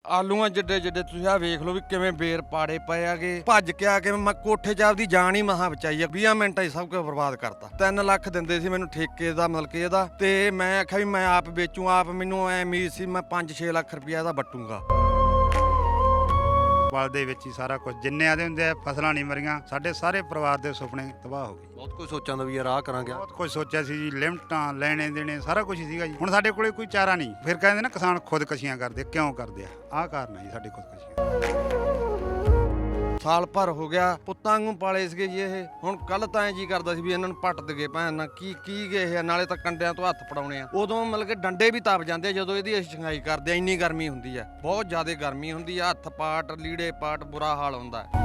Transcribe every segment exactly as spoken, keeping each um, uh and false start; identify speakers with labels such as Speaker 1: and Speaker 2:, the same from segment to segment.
Speaker 1: ਆਲੂਆਂ ਜਿੱਡੇ ਜਿੱਡੇ ਤੁਸੀਂ ਆ ਵੇਖ ਲਓ ਵੀ ਕਿਵੇਂ ਬੇਰ ਪਾੜੇ ਪਏ ਆਗੇ। ਭੱਜ ਕੇ ਆ ਕੇ ਮੈਂ ਕੋਠੇ 'ਚ ਆਪਦੀ ਜਾਨ ਹੀ ਮਹਾਂ ਬਚਾਈ ਆ। ਵੀਹ ਮਿੰਟਾਂ 'ਚ ਸਭ ਕੁਝ ਬਰਬਾਦ ਕਰਤਾ। ਤਿੰਨ ਲੱਖ ਦਿੰਦੇ ਸੀ ਮੈਨੂੰ ਠੇਕੇ ਦਾ ਮਤਲਬ ਕਿ ਇਹਦਾ, ਤੇ ਮੈਂ ਆਖਿਆ ਵੀ ਮੈਂ ਆਪ ਵੇਚੂ। ਆਪ ਮੈਨੂੰ ਐ ਉਮੀਦ ਸੀ ਮੈਂ ਪੰਜ ਛੇ ਲੱਖ ਰੁਪਇਆ ਇਹਦਾ ਵੱਟੂਗਾ।
Speaker 2: ਬਲ ਦੇ ਵਿੱਚ ਹੀ ਸਾਰਾ ਕੁਝ ਜਿੰਨੇ ਆਦੇ ਹੁੰਦੇ ਆ, ਫਸਲਾਂ ਨਹੀਂ ਮਰੀਆਂ, ਸਾਡੇ ਸਾਰੇ ਪਰਿਵਾਰ ਦੇ ਸੁਪਨੇ ਤਬਾਹ ਹੋ ਗਏ।
Speaker 3: ਬਹੁਤ ਕੁਝ ਸੋਚਾਂ ਦਾ ਵੀ ਯਾਰ ਆਹ ਕਰਾਂਗੇ,
Speaker 2: ਬਹੁਤ ਕੁਝ ਸੋਚਿਆ ਸੀ ਜੀ, ਲਿਮਟਾਂ ਲੈਣੇ ਦੇਣੇ ਸਾਰਾ ਕੁਝ ਸੀਗਾ ਜੀ। ਹੁਣ ਸਾਡੇ ਕੋਲੇ ਕੋਈ ਚਾਰਾ ਨਹੀਂ। ਫਿਰ ਕਹਿੰਦੇ ਨਾ ਕਿਸਾਨ ਖੁਦਕਸ਼ੀਆਂ ਕਰਦੇ, ਕਿਉਂ ਕਰਦੇ ਆ? ਆਹ ਕਾਰਨ ਹੈ ਜੀ ਸਾਡੇ ਖੁਦਕਸ਼ੀਆਂ।
Speaker 1: ਸਾਲ ਭਰ ਹੋ ਗਿਆ, ਪੁੱਤਾਂ ਨੂੰ ਪਾਲੇ ਸੀਗੇ ਜੀ ਇਹ। ਹੁਣ ਕੱਲ ਤਾਂ ਐ ਜੀ ਕਰਦਾ ਸੀ ਵੀ ਇਹਨਾਂ ਨੂੰ ਪੱਟ ਦਗੇ ਭੈਣ ਨਾਲ। ਕੀ ਕੀ ਗਏ ਇਹ, ਨਾਲੇ ਤਾਂ ਕੰਡਿਆਂ ਤੋਂ ਹੱਥ ਫੜਾਉਣੇ ਆ। ਉਦੋਂ ਮਤਲਬ ਕਿ ਡੰਡੇ ਵੀ ਤਪ ਜਾਂਦੇ ਆ ਜਦੋਂ ਇਹਦੀ ਅਸੀਂ ਛੰਗਾਈ ਕਰਦੇ ਆ। ਇੰਨੀ ਗਰਮੀ ਹੁੰਦੀ ਆ, ਬਹੁਤ ਜ਼ਿਆਦਾ ਗਰਮੀ ਹੁੰਦੀ ਆ। ਹੱਥ ਪਾਟ, ਲੀੜੇ ਪਾਟ, ਬੁਰਾ ਹਾਲ ਹੁੰਦਾ ਹੈ।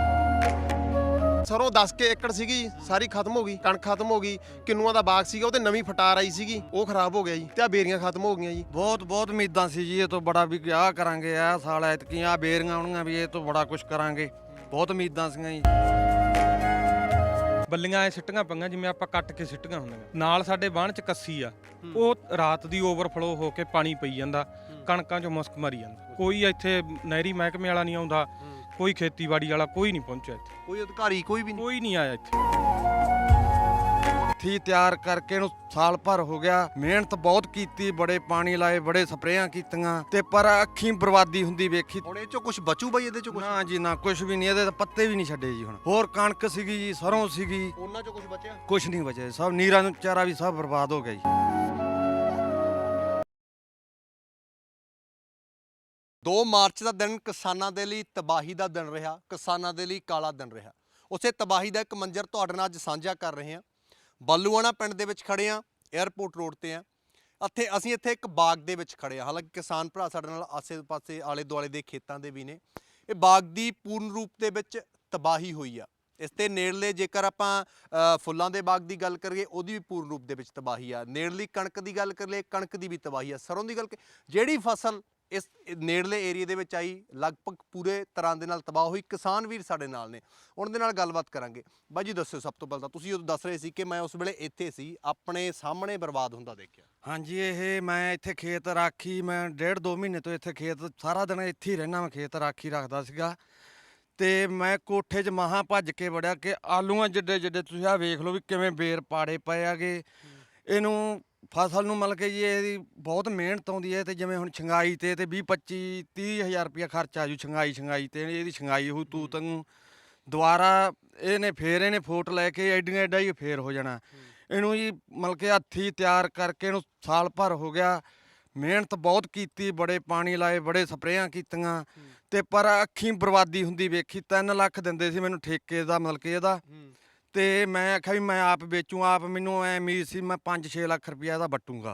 Speaker 4: ਸਰੋਂ ਦਸ ਕੇ ਏਕੜ ਸੀਗੀ, ਸਾਰੀ ਖਤਮ ਹੋ ਗਈ। ਕਣਕ ਖਤਮ ਹੋ ਗਈ। ਕਿੰਨੂਆਂ ਦਾ ਬਾਗ ਸੀਗਾ, ਉਹਤੇ ਨਵੀਂ ਫਟਾਰ ਆਈ ਸੀਗੀ, ਉਹ ਖਰਾਬ ਹੋ ਗਿਆ ਜੀ। ਤੇ ਆ ਬੇਰੀਆਂ ਖਤਮ ਹੋ ਗਈਆਂ ਜੀ।
Speaker 1: ਬਹੁਤ ਬਹੁਤ ਉਮੀਦਾਂ ਸੀ ਜੀ ਇਹ ਤੋਂ, ਬੜਾ ਵੀ ਆਹ ਕਰਾਂਗੇ, ਆਹ ਸਾਲ ਐਤਕੀ ਆਹ ਬੇਰੀਆਂ ਆਉਣਗੀਆਂ ਵੀ ਇਹ ਤੋਂ ਬੜਾ ਕੁਝ ਕਰਾਂਗੇ। ਬਹੁਤ ਉਮੀਦਾਂ ਸੀਗੀਆਂ ਜੀ।
Speaker 5: ਬੱਲੀਆਂ ਐ ਸਿੱਟੀਆਂ ਪਈਆਂ ਜਿਵੇਂ ਆਪਾਂ ਕੱਟ ਕੇ ਸਿੱਟੀਆਂ ਹੁੰਦੀਆਂ। ਨਾਲ ਸਾਡੇ ਬਾਣ ਚ ਕੱਸੀ ਆ, ਉਹ ਰਾਤ ਦੀ ਓਵਰਫਲੋ ਹੋ ਕੇ ਪਾਣੀ ਪਈ ਜਾਂਦਾ, ਕਣਕਾਂ ਚੋਂ ਮੁਸਕ ਮਾਰੀ ਜਾਂਦਾ। ਕੋਈ ਇੱਥੇ ਨਹਿਰੀ ਮਹਿਕਮੇ ਵਾਲਾ ਨਹੀਂ ਆਉਂਦਾ, ਕੋਈ ਖੇਤੀਬਾੜੀ ਵਾਲਾ ਕੋਈ ਨਹੀਂ ਪਹੁੰਚਿਆ ਇੱਥੇ।
Speaker 3: ਕੋਈ ਅਧਿਕਾਰੀ ਕੋਈ ਵੀ ਨਹੀਂ
Speaker 5: ਕੋਈ ਨਹੀਂ ਆਇਆ ਇੱਥੇ।
Speaker 1: ਥੀ ਤਿਆਰ ਕਰਕੇ ਇਹਨੂੰ ਸਾਲ ਭਰ ਹੋ ਗਿਆ। ਮਿਹਨਤ ਬਹੁਤ ਕੀਤੀ, ਬੜੇ ਪਾਣੀ ਲਾਏ, ਬੜੇ ਸਪਰੇਆਂ ਕੀਤੀਆਂ, ਤੇ ਪਰ ਅੱਖੀਂ ਬਰਬਾਦੀ ਹੁੰਦੀ ਵੇਖੀ।
Speaker 3: ਹੁਣ ਇਹ ਚੋਂ ਕੁਝ ਬਚੂ ਬਈ? ਇਹਦੇ ਚੋਂ ਕੁਝ
Speaker 1: ਨਾ ਜੀ ਨਾ, ਕੁਝ ਵੀ ਨਹੀਂ। ਇਹਦੇ ਤਾਂ ਪੱਤੇ ਵੀ ਨਹੀਂ ਛੱਡੇ ਜੀ। ਹੁਣ ਹੋਰ ਕਣਕ ਸੀਗੀ ਜੀ, ਸਰੋਂ ਸੀਗੀ,
Speaker 3: ਉਹਨਾਂ ਚੋਂ ਕੁਝ ਬਚਿਆ?
Speaker 1: ਕੁਝ ਨਹੀਂ ਬਚਿਆ। ਸਭ ਨੀਰਾਂ ਨੂੰ ਚਾਰਾ ਵੀ ਸਭ ਬਰਬਾਦ ਹੋ ਗਿਆ ਜੀ।
Speaker 3: ਦੋ ਮਾਰਚ ਦਾ ਦਿਨ ਕਿਸਾਨਾਂ ਦੇ ਲਈ ਤਬਾਹੀ ਦਾ ਦਿਨ ਰਿਹਾ, ਕਿਸਾਨਾਂ ਦੇ ਲਈ ਕਾਲਾ ਦਿਨ ਰਿਹਾ। ਉਸੇ ਤਬਾਹੀ ਦਾ ਇੱਕ ਮੰਜ਼ਰ ਤੁਹਾਡੇ ਨਾਲ ਅੱਜ ਸਾਂਝਾ ਕਰ ਰਹੇ ਹਾਂ। ਬਾਲੂਆਣਾ ਪਿੰਡ ਦੇ ਵਿੱਚ ਖੜੇ ਹਾਂ, ਏਅਰਪੋਰਟ ਰੋਡ ਤੇ ਆ। ਇੱਥੇ ਅਸੀਂ ਇੱਥੇ ਇੱਕ ਬਾਗ ਦੇ ਵਿੱਚ ਖੜੇ ਹਾਂ। ਹਾਲਾਂਕਿ ਕਿਸਾਨ ਭਰਾ ਸਾਡੇ ਨਾਲ ਆਸੇ-ਪਾਸੇ ਆਲੇ ਦੁਆਲੇ ਦੇ ਖੇਤਾਂ ਦੇ ਵੀ ਨੇ। ਇਹ ਬਾਗ ਦੀ ਪੂਰਨ ਰੂਪ ਦੇ ਵਿੱਚ ਤਬਾਹੀ ਹੋਈ ਆ। ਇਸ ਤੇ ਨੇੜਲੇ ਜੇਕਰ ਆਪਾਂ ਫੁੱਲਾਂ ਦੇ ਬਾਗ ਦੀ ਗੱਲ ਕਰੀਏ, ਉਹਦੀ ਵੀ ਪੂਰਨ ਰੂਪ ਦੇ ਵਿੱਚ ਤਬਾਹੀ ਆ। ਨੇੜਲੀ ਕਣਕ ਦੀ ਗੱਲ ਕਰੀਏ, ਕਣਕ ਦੀ ਵੀ ਤਬਾਹੀ ਆ। ਸਰੋਂ ਦੀ ਗੱਲ ਜਿਹੜੀ ਫਸਲ ਇਸ ਨੇੜਲੇ ਏਰੀਏ ਦੇ ਵਿੱਚ ਆਈ, ਲਗਭਗ ਪੂਰੇ ਤਰ੍ਹਾਂ ਦੇ ਨਾਲ ਤਬਾਹ ਹੋਈ। ਕਿਸਾਨ ਵੀਰ ਸਾਡੇ ਨਾਲ ਨੇ, ਉਹਨਾਂ ਦੇ ਨਾਲ ਗੱਲਬਾਤ ਕਰਾਂਗੇ। ਬਾਈ ਜੀ ਦੱਸਿਓ, ਸਭ ਤੋਂ ਪਹਿਲਾਂ ਤੁਸੀਂ ਉਦੋਂ ਦੱਸ ਰਹੇ ਸੀ ਕਿ ਮੈਂ ਉਸ ਵੇਲੇ ਇੱਥੇ ਸੀ, ਆਪਣੇ ਸਾਹਮਣੇ ਬਰਬਾਦ ਹੁੰਦਾ ਦੇਖਿਆ।
Speaker 1: ਹਾਂਜੀ, ਇਹ ਮੈਂ ਇੱਥੇ ਖੇਤ ਰਾਖੀ, ਮੈਂ ਡੇਢ ਦੋ ਮਹੀਨੇ ਤੋਂ ਇੱਥੇ ਖੇਤ ਸਾਰਾ ਦਿਨ ਇੱਥੇ ਹੀ ਰਹਿਣਾ। ਮੈਂ ਖੇਤ ਰਾਖੀ ਰੱਖਦਾ ਸੀਗਾ, ਤੇ ਮੈਂ ਕੋਠੇ 'ਚ ਮਹਾਂ ਭੱਜ ਕੇ ਵੜਿਆ ਕਿ ਆਲੂਆਂ ਜਿੱਡੇ ਜਿੱਡੇ ਤੁਸੀਂ ਆ ਵੇਖ ਲਓ ਵੀ ਕਿਵੇਂ ਬੇਰ ਪਾੜੇ ਪਏ ਆਗੇ। ਇਹਨੂੰ ਫਸਲ ਨੂੰ ਮਤਲਬ ਕਿ ਜੀ ਇਹਦੀ ਬਹੁਤ ਮਿਹਨਤ ਆਉਂਦੀ ਹੈ। ਤੇ ਜਿਵੇਂ ਹੁਣ ਛੰਗਾਈ ਤੇ ਤੇ ਵੀਹ ਪੱਚੀ ਤੀਹ ਹਜ਼ਾਰ ਰੁਪਇਆ ਖਰਚਾ ਆ ਜੂ ਛੰਗਾਈ ਛੰਗਾਈ ਤੇ। ਇਹਦੀ ਛੰਗਾਈ ਹੋਊ ਤੂੰ ਤੈਨੂੰ ਦੁਬਾਰਾ ਇਹਨੇ ਫੇਰ ਇਹਨੇ ਫੋਟ ਲੈ ਕੇ ਐਡੀਆਂ ਐਡਾ ਹੀ ਫੇਰ ਹੋ ਜਾਣਾ। ਇਹਨੂੰ ਜੀ ਮਤਲਬ ਕਿ ਹੱਥੀਂ ਤਿਆਰ ਕਰਕੇ ਇਹਨੂੰ ਸਾਲ ਭਰ ਹੋ ਗਿਆ। ਮਿਹਨਤ ਬਹੁਤ ਕੀਤੀ, ਬੜੇ ਪਾਣੀ ਲਾਏ, ਬੜੇ ਸਪਰੇਆਂ ਕੀਤੀਆਂ, ਤੇ ਪਰ ਅੱਖੀਂ ਬਰਬਾਦੀ ਹੁੰਦੀ ਵੇਖੀ। ਤਿੰਨ ਲੱਖ ਦਿੰਦੇ ਸੀ ਮੈਨੂੰ ਠੇਕੇ ਦਾ ਮਤਲਬ ਕਿ ਇਹਦਾ, ਤੇ ਮੈਂ ਆਖਿਆ ਵੀ ਮੈਂ ਆਪ ਵੇਚੂ। ਆਪ ਮੈਨੂੰ ਐ ਉਮੀਦ ਸੀ ਮੈਂ ਪੰਜ ਛੇ ਲੱਖ ਰੁਪਇਆ ਇਹਦਾ ਵੱਟੂਗਾ,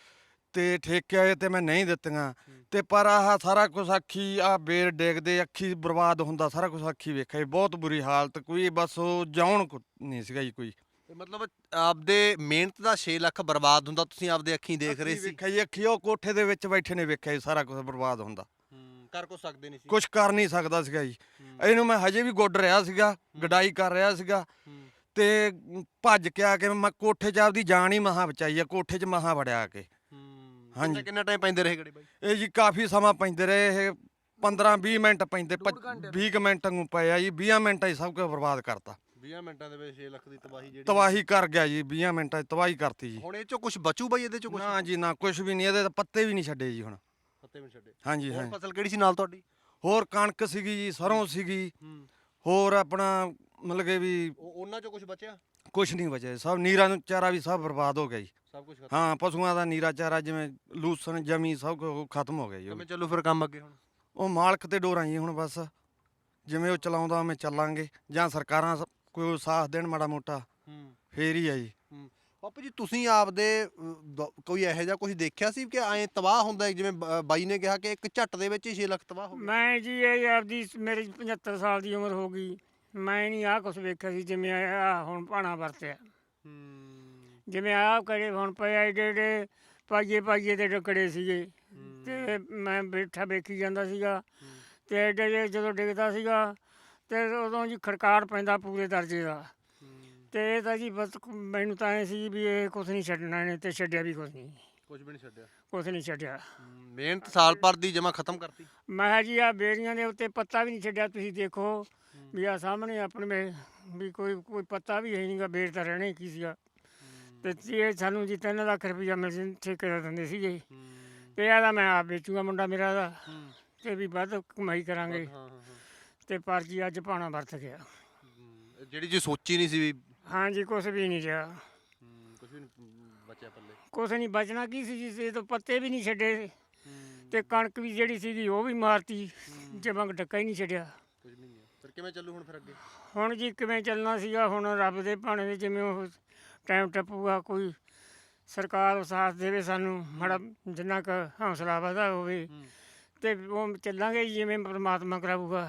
Speaker 1: ਤੇ ਠੇਕੇ ਤੇ ਮੈਂ ਨਹੀਂ ਦਿੱਤੀਆਂ। ਤੇ ਪਰ ਆਹ ਸਾਰਾ ਕੁਝ ਅੱਖੀ, ਆਹ ਬੇਰ ਡੇਗਦੇ ਅੱਖੀ ਬਰਬਾਦ ਹੁੰਦਾ, ਸਾਰਾ ਕੁਝ ਅੱਖੀ ਵੇਖਿਆ। ਬਹੁਤ ਬੁਰੀ ਹਾਲਤ, ਕੋਈ ਬਸ ਉਹ ਜਾਉਣ ਨਹੀਂ ਸੀਗਾ ਜੀ ਕੋਈ।
Speaker 3: ਮਤਲਬ ਆਪਦੇ ਮਿਹਨਤ ਦਾ ਛੇ ਲੱਖ ਬਰਬਾਦ ਹੁੰਦਾ, ਤੁਸੀਂ ਆਪਦੇ ਅੱਖੀਂ ਦੇਖ ਰਹੇ ਸੀ?
Speaker 1: ਵੇਖਿਆ ਜੀ ਅੱਖੀ, ਉਹ ਕੋਠੇ ਦੇ ਵਿੱਚ ਬੈਠੇ ਨੇ ਵੇਖਿਆ ਜੀ ਸਾਰਾ ਕੁਝ ਬਰਬਾਦ ਹੁੰਦਾ।
Speaker 3: ਕਰ ਕੁਛ ਸਕਦੇ ਨਹੀਂ ਸੀ,
Speaker 1: ਕੁਝ ਕਰ ਨਹੀਂ ਸਕਦਾ ਸੀਗਾ ਜੀ। ਇਹਨੂੰ ਮੈਂ ਹਜੇ ਵੀ ਗੁੱਡ ਰਿਹਾ ਸੀਗਾ, ਗਡਾਈ ਕਰ ਰਿਹਾ ਸੀਗਾ, ਤੇ ਭੱਜ ਕੇ ਆ ਕੇ ਮੈਂ ਕੋਠੇ 'ਚ ਆਪਦੀ ਜਾਨ ਹੀ ਮਹਾਂ ਬਚਾਈ ਆ। ਕੋਠੇ 'ਚ ਮਹਾਂ ਵੜਿਆ ਆ ਕੇ।
Speaker 3: ਹਾਂਜੀ, ਕਿੰਨਾ ਟਾਈਮ ਪੈਂਦੇ ਰਹੇ ਗੜੇ ਬਾਈ?
Speaker 1: ਇਹ ਜੀ ਕਾਫੀ ਸਮਾਂ ਪੈਂਦੇ ਰਹੇ। ਇਹ ਪੰਦਰਾਂ ਵੀਹ ਮਿੰਟ ਪੈਂਦੇ, ਵੀਹ ਕੁ ਮਿੰਟ ਨੂੰ ਪਏ ਆ ਜੀ। ਵੀਹ ਮਿੰਟਾਂ 'ਚ ਸਭ ਕੁਝ ਬਰਬਾਦ ਕਰਤਾ।
Speaker 3: ਵੀਹ ਮਿੰਟਾਂ ਦੇ ਵਿੱਚ ਛੇ ਲੱਖ ਦੀ ਤਬਾਹੀ ਜਿਹੜੀ
Speaker 1: ਤਬਾਹੀ ਕਰ ਗਿਆ ਜੀ। ਵੀਹ ਮਿੰਟਾਂ 'ਚ ਤਬਾਹੀ ਕਰਤੀ ਜੀ।
Speaker 3: ਹੁਣ ਇਹ ਚੋਂ ਕੁਝ ਬਚੂ ਬਾਈ? ਇਹਦੇ ਚੋਂ ਕੁਝ
Speaker 1: ਨਾ ਜੀ ਨਾ, ਕੁਝ ਵੀ ਨਹੀਂ। ਇਹਦੇ ਤਾਂ ਪੱਤੇ ਵੀ ਨਹੀਂ ਛੱਡੇ ਜੀ ਹੁਣ।
Speaker 3: ਪੱਤੇ ਵੀ ਛੱਡੇ?
Speaker 1: ਹਾਂਜੀ
Speaker 3: ਹੋਰ
Speaker 1: ਹਾਂ।
Speaker 3: ਫਸਲ ਕਿਹੜੀ ਸੀ ਨਾਲ ਤੁਹਾਡੀ?
Speaker 1: ਹੋਰ ਕਣਕ ਸੀਗੀ ਜੀ, ਸਰੋਂ ਸੀਗੀ, ਹੋਰ ਆਪਣਾ ਮਤਲਬ ਕਿ ਵੀ
Speaker 3: ਉਹਨਾਂ ਚੋਂ ਕੁਝ ਬਚਿਆ?
Speaker 1: ਕੁਝ ਨਹੀਂ ਬਚਿਆ। ਸਭ ਨੀਰਾਂ ਨੂੰ ਚਾਰਾ ਵੀ ਸਭ ਬਰਬਾਦ ਹੋ ਗਿਆ ਜੀ।
Speaker 3: ਸਭ ਕੁਝ ਖਤਮ?
Speaker 1: ਹਾਂ, ਪਸ਼ੂਆਂ ਦਾ ਨੀਰਾ ਚਾਰਾ ਜਿਵੇਂ ਲੂਸਣ ਜਮੀ ਸਭ ਕੁਝ ਖਤਮ ਹੋ ਗਿਆ ਜੀ।
Speaker 3: ਕਿਵੇਂ ਚੱਲੂ ਫਿਰ ਕੰਮ ਅੱਗੇ ਹੁਣ?
Speaker 1: ਉਹ ਮਾਲਕ ਤੇ ਡੋਰਾਂ ਜੀ ਹੁਣ, ਬਸ ਜਿਵੇਂ ਉਹ ਚਲਾਉਂਦਾ ਉਵੇਂ ਚੱਲਾਂਗੇ, ਜਾਂ ਸਰਕਾਰਾਂ ਕੋਈ ਸਾਥ ਦੇਣ ਮਾੜਾ ਮੋਟਾ, ਫੇਰ ਹੀ ਆ ਜੀ।
Speaker 3: ਬਾਪੂ ਜੀ, ਤੁਸੀਂ ਆਪਦੇ ਕੋਈ ਇਹੋ ਜਿਹਾ ਕੁਝ ਦੇਖਿਆ ਸੀ ਕਿ ਐਂ ਤਬਾਹ ਹੁੰਦਾ ਜਿਵੇਂ ਬਾਈ ਨੇ ਕਿਹਾ ਕਿ ਇੱਕ ਝੱਟ ਦੇ ਵਿੱਚ ਹੀ ਛੇ ਲੱਖ ਤਬਾਹ ਹੋ ਗਏ?
Speaker 6: ਮੈਂ ਜੀ ਇਹ ਆਪਦੀ ਮੇਰੀ ਪਝੱਤਰ ਸਾਲ ਦੀ ਉਮਰ ਹੋ ਗਈ, ਮੈਂ ਨਹੀਂ ਆਹ ਕੁਛ ਵੇਖਿਆ ਸੀ ਜਿਵੇਂ ਆਹ ਹੁਣ ਭਾਣਾ ਵਰਤਿਆ। ਜਿਵੇਂ ਆਹ ਕੜੇ ਹੁਣ ਪਏ ਏਡੇ ਏਡੇ ਪਾਈਏ ਪਾਈਏ ਦੇ ਡਕੜੇ ਸੀਗੇ, ਤੇ ਮੈਂ ਬੈਠਾ ਵੇਖੀ ਜਾਂਦਾ ਸੀਗਾ। ਤੇ ਏਡੇ ਏਡੇ ਜਦੋਂ ਡਿੱਗਦਾ ਸੀਗਾ ਤੇ ਉਦੋਂ ਜੀ ਖੜਕਾਟ ਪੈਂਦਾ ਪੂਰੇ ਦਰਜੇ ਦਾ। ਤੇ ਇਹ ਤਾਂ ਜੀ ਬਸ ਮੈਨੂੰ ਤਾਂ ਐਂ ਸੀ ਵੀ ਇਹ ਕੁਛ ਨਹੀਂ ਛੱਡਣਾ ਇਹਨੇ, ਤੇ ਛੱਡਿਆ ਵੀ ਕੁਛ ਨਹੀਂ।
Speaker 3: ਕੁਝ ਵੀ ਨਹੀਂ ਛੱਡਿਆ?
Speaker 6: ਕੁਛ ਨਹੀਂ ਛੱਡਿਆ।
Speaker 3: ਮਿਹਨਤ ਸਾਲ ਭਰ ਦੀ ਜਮਾ ਖਤਮ ਕਰਤੀ।
Speaker 6: ਮੈਂ ਕਿਹਾ ਜੀ ਆ ਬੇਰੀਆਂ ਦੇ ਉੱਤੇ ਪੱਤਾ ਵੀ ਨਹੀਂ ਛੱਡਿਆ, ਤੁਸੀਂ ਦੇਖੋ ਵੀ ਆ ਸਾਹਮਣੇ ਆਪਣੇ ਮੇ- ਵੀ ਕੋਈ ਕੋਈ ਪੱਤਾ ਵੀ ਹੈ ਨਹੀਂਗਾ, ਬੇਰ ਤਾਂ ਰਹਿਣਾ ਹੀ ਕੀ ਸੀਗਾ। ਤੇ ਇਹ ਸਾਨੂੰ ਜੀ ਤਿੰਨ ਲੱਖ ਰੁਪਈਆ ਮਿਲ ਠੇਕੇ ਦਾ ਦਿੰਦੇ ਸੀਗੇ, ਤੇ ਇਹਦਾ ਮੈਂ ਆਪ ਵੇਚੂਗਾ ਮੁੰਡਾ ਮੇਰਾ ਦਾ, ਤੇ ਵੀ ਵੱਧ ਕਮਾਈ ਕਰਾਂਗੇ। ਤੇ ਪਰ ਜੀ ਅੱਜ ਪਾਣਾ ਵਰਤ ਗਿਆ।
Speaker 3: ਜਿਹੜੀ ਜੀ ਸੋਚੀ ਨਹੀਂ ਸੀ ਵੀ
Speaker 6: ਹਾਂ ਜੀ ਕੁਛ ਵੀ ਨਹੀਂ ਰਿਹਾ,
Speaker 3: ਕੁਝ ਵੀ ਬਚਿਆ ਪੱਲੇ।
Speaker 6: ਕੁਛ ਨਹੀਂ ਬਚਣਾ ਕੀ ਸੀ ਜੀ, ਇਹ ਤਾਂ ਪੱਤੇ ਵੀ ਨਹੀਂ ਛੱਡੇ, ਤੇ ਕਣਕ ਵੀ ਜਿਹੜੀ ਸੀਗੀ ਉਹ ਵੀ ਮਾਰਤੀ, ਜਮੰਗ ਡੱਕਾ ਹੀ ਨਹੀਂ ਛੱਡਿਆ।
Speaker 3: ਕੁਝ ਵੀ ਨਹੀਂ ਹੈ। ਫਿਰ ਕਿਵੇਂ ਚੱਲੂ ਹੁਣ ਫਿਰ ਅੱਗੇ?
Speaker 6: ਹੁਣ ਜੀ ਕਿਵੇਂ ਚੱਲਣਾ ਸੀਗਾ, ਹੁਣ ਰੱਬ ਦੇ ਭਾਣੇ ਦੇ ਜਿਵੇਂ ਉਹ ਟਾਈਮ ਟੱਪੂਗਾ, ਕੋਈ ਸਰਕਾਰ ਸਾਥ ਦੇਵੇ ਸਾਨੂੰ, ਮਾੜਾ ਜਿੰਨਾ ਕੁ ਹੌਸਲਾ ਵਧਾ ਹੋਵੇ, ਤੇ ਉਹ ਚੱਲਾਂਗੇ ਜੀ ਜਿਵੇਂ ਪ੍ਰਮਾਤਮਾ ਕਰਾਊਗਾ।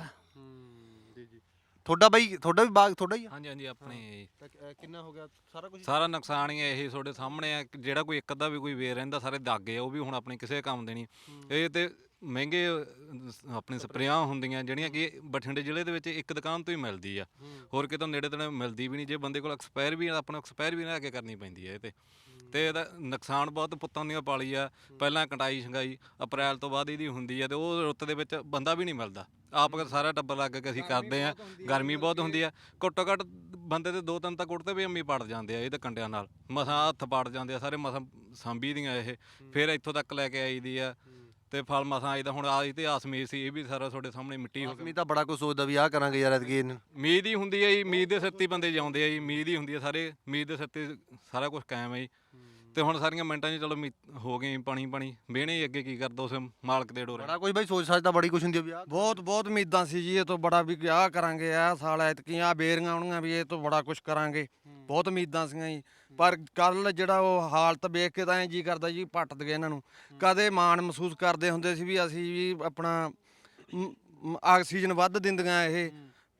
Speaker 3: ਜੀ ਜੀ। ਤੁਹਾਡਾ ਬਾਈ, ਤੁਹਾਡਾ ਵੀ ਬਾਗ ਤੁਹਾਡਾ ਹੀ ਆ?
Speaker 7: ਹਾਂਜੀ ਹਾਂਜੀ ਆਪਣੇ
Speaker 3: ਤਾਂ ਕਿ- ਕਿੰਨਾ ਹੋ ਗਿਆ ਸਾਰਾ ਕੁਝ?
Speaker 7: ਸਾਰਾ ਨੁਕਸਾਨ ਹੀ ਹੈ ਇਹ ਤੁਹਾਡੇ ਸਾਹਮਣੇ ਆ। ਜਿਹੜਾ ਕੋਈ ਇੱਕ ਅੱਧਾ ਵੀ ਕੋਈ ਵੇਰ ਰਹਿੰਦਾ ਸਾਰੇ ਦਾਗੇ ਆ, ਉਹ ਵੀ ਹੁਣ ਆਪਣੇ ਕਿਸੇ ਕੰਮ ਦੇ ਨਹੀਂ। ਇਹ ਤੇ ਮਹਿੰਗੇ ਅਹ, ਆਪਣੀ ਸਪਰੇਆਂ ਹੁੰਦੀਆਂ ਜਿਹੜੀਆਂ ਕਿ ਬਠਿੰਡੇ ਜ਼ਿਲ੍ਹੇ ਦੇ ਵਿੱਚ ਇੱਕ ਦੁਕਾਨ ਤੋਂ ਹੀ ਮਿਲਦੀ ਆ, ਹੋਰ ਕਿਤੋਂ ਨੇੜੇ ਤੇੜੇ ਮਿਲਦੀ ਵੀ ਨਹੀਂ। ਜੇ ਬੰਦੇ ਕੋਲ ਐਕਸਪਾਇਰ ਵੀ ਆ, ਆਪਾਂ ਨੂੰ ਐਕਸਪਾਇਰ ਵੀ ਲੈ ਕੇ ਕਰਨੀ ਪੈਂਦੀ ਹੈ ਇਹ ਤੇ ਤੇ ਇਹਦਾ ਨੁਕਸਾਨ ਬਹੁਤ ਪੁੱਤਾਂ ਦੀਆਂ ਪਾਲੀ ਆ। ਪਹਿਲਾਂ ਕਟਾਈ ਛੰਗਾਈ ਅਪ੍ਰੈਲ ਤੋਂ ਬਾਅਦ ਇਹਦੀ ਹੁੰਦੀ ਆ, ਤੇ ਉਹ ਰੁੱਤ ਦੇ ਵਿੱਚ ਬੰਦਾ ਵੀ ਨਹੀਂ ਮਿਲਦਾ। ਆਪ ਸਾਰਾ ਟੱਬਰ ਲੱਗ ਕੇ ਅਸੀਂ ਕਰਦੇ ਆ, ਗਰਮੀ ਬਹੁਤ ਹੁੰਦੀ ਆ। ਘੱਟੋ ਘੱਟ ਬੰਦੇ ਦੇ ਦੋ ਤਿੰਨ ਤਾਂ ਕੁੜਤੇ ਵੀ ਅੰਮੀ ਪੜ ਜਾਂਦੇ ਆ ਇਹਦੇ ਕੰਡਿਆਂ ਨਾਲ, ਮਸਾਂ ਹੱਥ ਪੜ ਜਾਂਦੇ ਆ ਸਾਰੇ, ਮਸਾਂ ਸਾਂਭੀ ਦੀਆਂ ਇਹ, ਫਿਰ ਇੱਥੋਂ ਤੱਕ ਲੈ ਕੇ ਆਈ ਦੀ ਆ, ਤੇ ਫਲ ਮਸਾਂ ਆਈਦਾ। ਹੁਣ ਆਈ ਤੇ ਆਸਮੀਰ ਸੀ, ਇਹ ਵੀ ਸਾਰਾ ਤੁਹਾਡੇ ਸਾਹਮਣੇ ਮਿੱਟੀ ਹੋ
Speaker 3: ਆਦਮੀ ਤਾਂ ਬੜਾ ਕੁਝ ਸੋਚਦਾ ਵੀ ਆਹ ਕਰਾਂਗੇ ਯਾਰ ਐਤਕੀ।
Speaker 7: ਉਮੀਦ ਹੀ ਹੁੰਦੀ ਹੈ ਜੀ, ਉਮੀਦ ਦੇ ਸਿਰ ਤੇ ਹੀ ਬੰਦੇ ਜਿਉਂਦੇ ਆ ਜੀ, ਉਮੀਦ ਹੀ ਹੁੰਦੀ ਹੈ, ਸਾਰੇ ਉਮੀਦ ਦੇ ਸਿਰ ਤੇ ਸਾਰਾ ਕੁਝ ਕਾਇਮ ਹੈ ਜੀ। ਤੇ ਹੁਣ ਸਾਰੀਆਂ ਮਿੰਟਾਂ 'ਚ ਚਲੋ ਮੀ- ਹੋ ਗਏ ਪਾਣੀ ਪਾਣੀ ਵਿਹਣੇ ਹੀ, ਅੱਗੇ ਕੀ ਕਰਦਾ ਉਸ ਮਾਲਕ ਦੇ ਡੋਰੇ।
Speaker 3: ਬੜਾ ਕੁਝ ਬਾਈ ਸੋਚ ਸੱਚਦਾ ਬੜੀ ਕੁਝ ਹੁੰਦੀ ਆ ਵੀ ਆਹ
Speaker 1: ਬਹੁਤ ਬਹੁਤ ਉਮੀਦਾਂ ਸੀ ਜੀ ਇਹ ਤੋਂ, ਬੜਾ ਵੀ ਆਹ ਕਰਾਂਗੇ, ਆਹ ਸਾਲ ਐਤਕੀ ਆਹ ਬੇਰੀਆਂ ਆਉਣਗੀਆਂ ਵੀ ਇਹ ਤੋਂ ਬੜਾ ਕੁਝ ਕਰਾਂਗੇ, ਬਹੁਤ ਉਮੀਦਾਂ ਸੀਗੀਆਂ ਜੀ। ਪਰ ਕੱਲ ਜਿਹੜਾ ਉਹ ਹਾਲਤ ਵੇਖ ਕੇ ਤਾਂ ਐਂ ਜੀ ਕਰਦਾ ਜੀ ਪੱਟ ਦਗੇ ਇਹਨਾਂ ਨੂੰ। ਕਦੇ ਮਾਣ ਮਹਿਸੂਸ ਕਰਦੇ ਹੁੰਦੇ ਸੀ ਵੀ ਅਸੀਂ ਵੀ ਆਪਣਾ ਮ- ਮ- ਆਕਸੀਜਨ ਵੱਧ ਦਿੰਦੀਆਂ ਇਹ,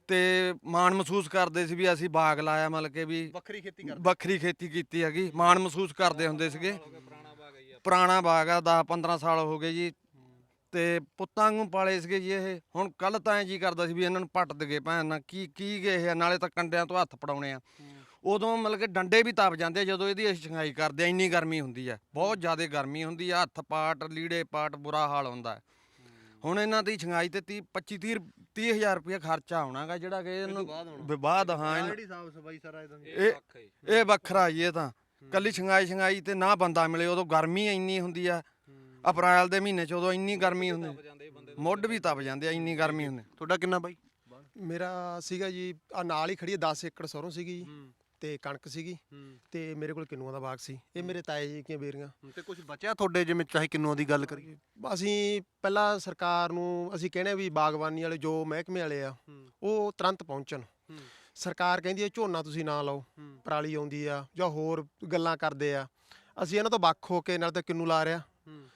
Speaker 1: ਤੇ ਮਾਣ ਮਹਿਸੂਸ ਕਰਦੇ ਸੀ ਵੀ ਅਸੀਂ ਬਾਗ ਲਾਇਆ, ਮਤਲਬ ਕਿ ਵੀ
Speaker 3: ਵੱਖਰੀ ਖੇਤੀ ਕਰਦੇ।
Speaker 1: ਵੱਖਰੀ ਖੇਤੀ ਕੀਤੀ ਹੈਗੀ, ਮਾਣ ਮਹਿਸੂਸ ਕਰਦੇ ਹੁੰਦੇ ਸੀਗੇ। ਪੁਰਾਣਾ ਬਾਗ ਆ, ਦਸ ਪੰਦਰਾਂ ਸਾਲ ਹੋ ਗਏ ਜੀ, ਤੇ ਪੁੱਤਾਂ ਨੂੰ ਪਾਲੇ ਸੀਗੇ ਜੀ ਇਹ। ਹੁਣ ਕੱਲ ਤਾਂ ਐਂ ਜੀ ਕਰਦਾ ਸੀ ਵੀ ਇਹਨਾਂ ਨੂੰ ਪੱਟ ਦਗੇ ਭੈਣ ਨਾਲ, ਕੀ ਕੀ ਗਏ ਆ, ਨਾਲੇ ਤਾਂ ਕੰਡਿਆਂ ਤੋਂ ਹੱਥ ਪੜਾਉਣੇ ਆ। ਉਦੋਂ ਮਤਲਬ ਕਿ ਡੰਡੇ ਵੀ ਤਪ ਜਾਂਦੇ ਆ ਜਦੋਂ ਇਹਦੀ ਅਸੀਂ ਛੰਗਾਈ ਕਰਦੇ ਆ, ਇੰਨੀ ਗਰਮੀ ਹੁੰਦੀ ਆ, ਬਹੁਤ ਜ਼ਿਆਦਾ ਗਰਮੀ ਹੁੰਦੀ ਆ, ਹੱਥ ਪਾਟ ਲੀੜੇ ਪਾਟ ਬੁਰਾ ਹਾਲ ਹੁੰਦਾ। ਹੁਣ ਇਹਨਾਂ ਦੀ ਛੰਗਾਈ ਤੇ ਤੀਹ ਪੱਚੀ ਤੀਹ ਤੀਹ ਹਜ਼ਾਰ ਰੁਪਇਆ ਖਰਚਾ ਆਉਣਾਗਾ, ਜਿਹੜਾ ਕਿ ਇਹਨੂੰ ਵਿਵਾਦ ਹਾਂ ਇਹਨਾਂ-
Speaker 3: ਜਿਹੜੀ ਸਾਫ ਸਫਾਈ ਸਾਰਾ ਇਹਦਾ
Speaker 1: ਇਹ ਇਹ ਵੱਖਰਾ ਜੀ। ਇਹ ਤਾਂ ਕੱਲੀ ਛੰਗਾਈ ਛੰਗਾਈ ਤੇ ਨਾ ਬੰਦਾ ਮਿਲੇ, ਉਦੋਂ ਗਰਮੀ ਇੰਨੀ ਹੁੰਦੀ ਆ। ਅਪ੍ਰੈਲ ਦੇ ਮਹੀਨੇ ਚ ਉਦੋਂ ਇੰਨੀ ਗਰਮੀ ਹੁੰਦੀ, ਮੁੱਢ ਵੀ ਤਪ ਜਾਂਦੇ ਆ, ਇੰਨੀ ਗਰਮੀ ਹੁੰਦੀ।
Speaker 3: ਤੁਹਾਡਾ ਕਿੰਨਾ ਬਾਈ?
Speaker 4: ਮੇਰਾ ਸੀਗਾ ਜੀ ਆ ਨਾਲ ਹੀ ਖੜੀ ਹੈ, ਦਸ ਏਕੜ ਸਰੋਂ ਸੀਗੀ ਜੀ, ਤੇ ਕਣਕ ਸੀਗੀ, ਤੇ ਮੇਰੇ ਕੋਲ ਕਿੰਨੂਆਂ ਦਾ ਬਾਗ ਸੀ। ਇਹ ਮੇਰੇ ਤਾਏ ਜੀ ਦੀਆਂ ਬੇਰੀਆਂ।
Speaker 3: ਤੇ ਕੁਝ ਬਚਿਆ ਤੁਹਾਡੇ, ਜਿਵੇਂ ਚਾਹੇ ਕਿੰਨੂਆਂ ਦੀ ਗੱਲ ਕਰੀਏ?
Speaker 4: ਅਸੀਂ ਪਹਿਲਾਂ ਸਰਕਾਰ ਨੂੰ ਅਸੀਂ ਕਹਿੰਦੇ ਵੀ ਬਾਗਬਾਨੀ ਵਾਲੇ ਜੋ ਮਹਿਕਮੇ ਵਾਲੇ ਆ ਉਹ ਤੁਰੰਤ ਪਹੁੰਚਣ। ਸਰਕਾਰ ਕਹਿੰਦੀ ਹੈ ਝੋਨਾ ਤੁਸੀਂ ਨਾ ਲਾਓ, ਪਰਾਲੀ ਆਉਂਦੀ ਆ ਜਾਂ ਹੋਰ ਗੱਲਾਂ ਕਰਦੇ ਆ। ਅਸੀਂ ਇਹਨਾਂ ਤੋਂ ਵੱਖ ਹੋ ਕੇ ਨਾਲ ਤਾਂ ਕਿੰਨੂ ਲਾ ਰਿਆ,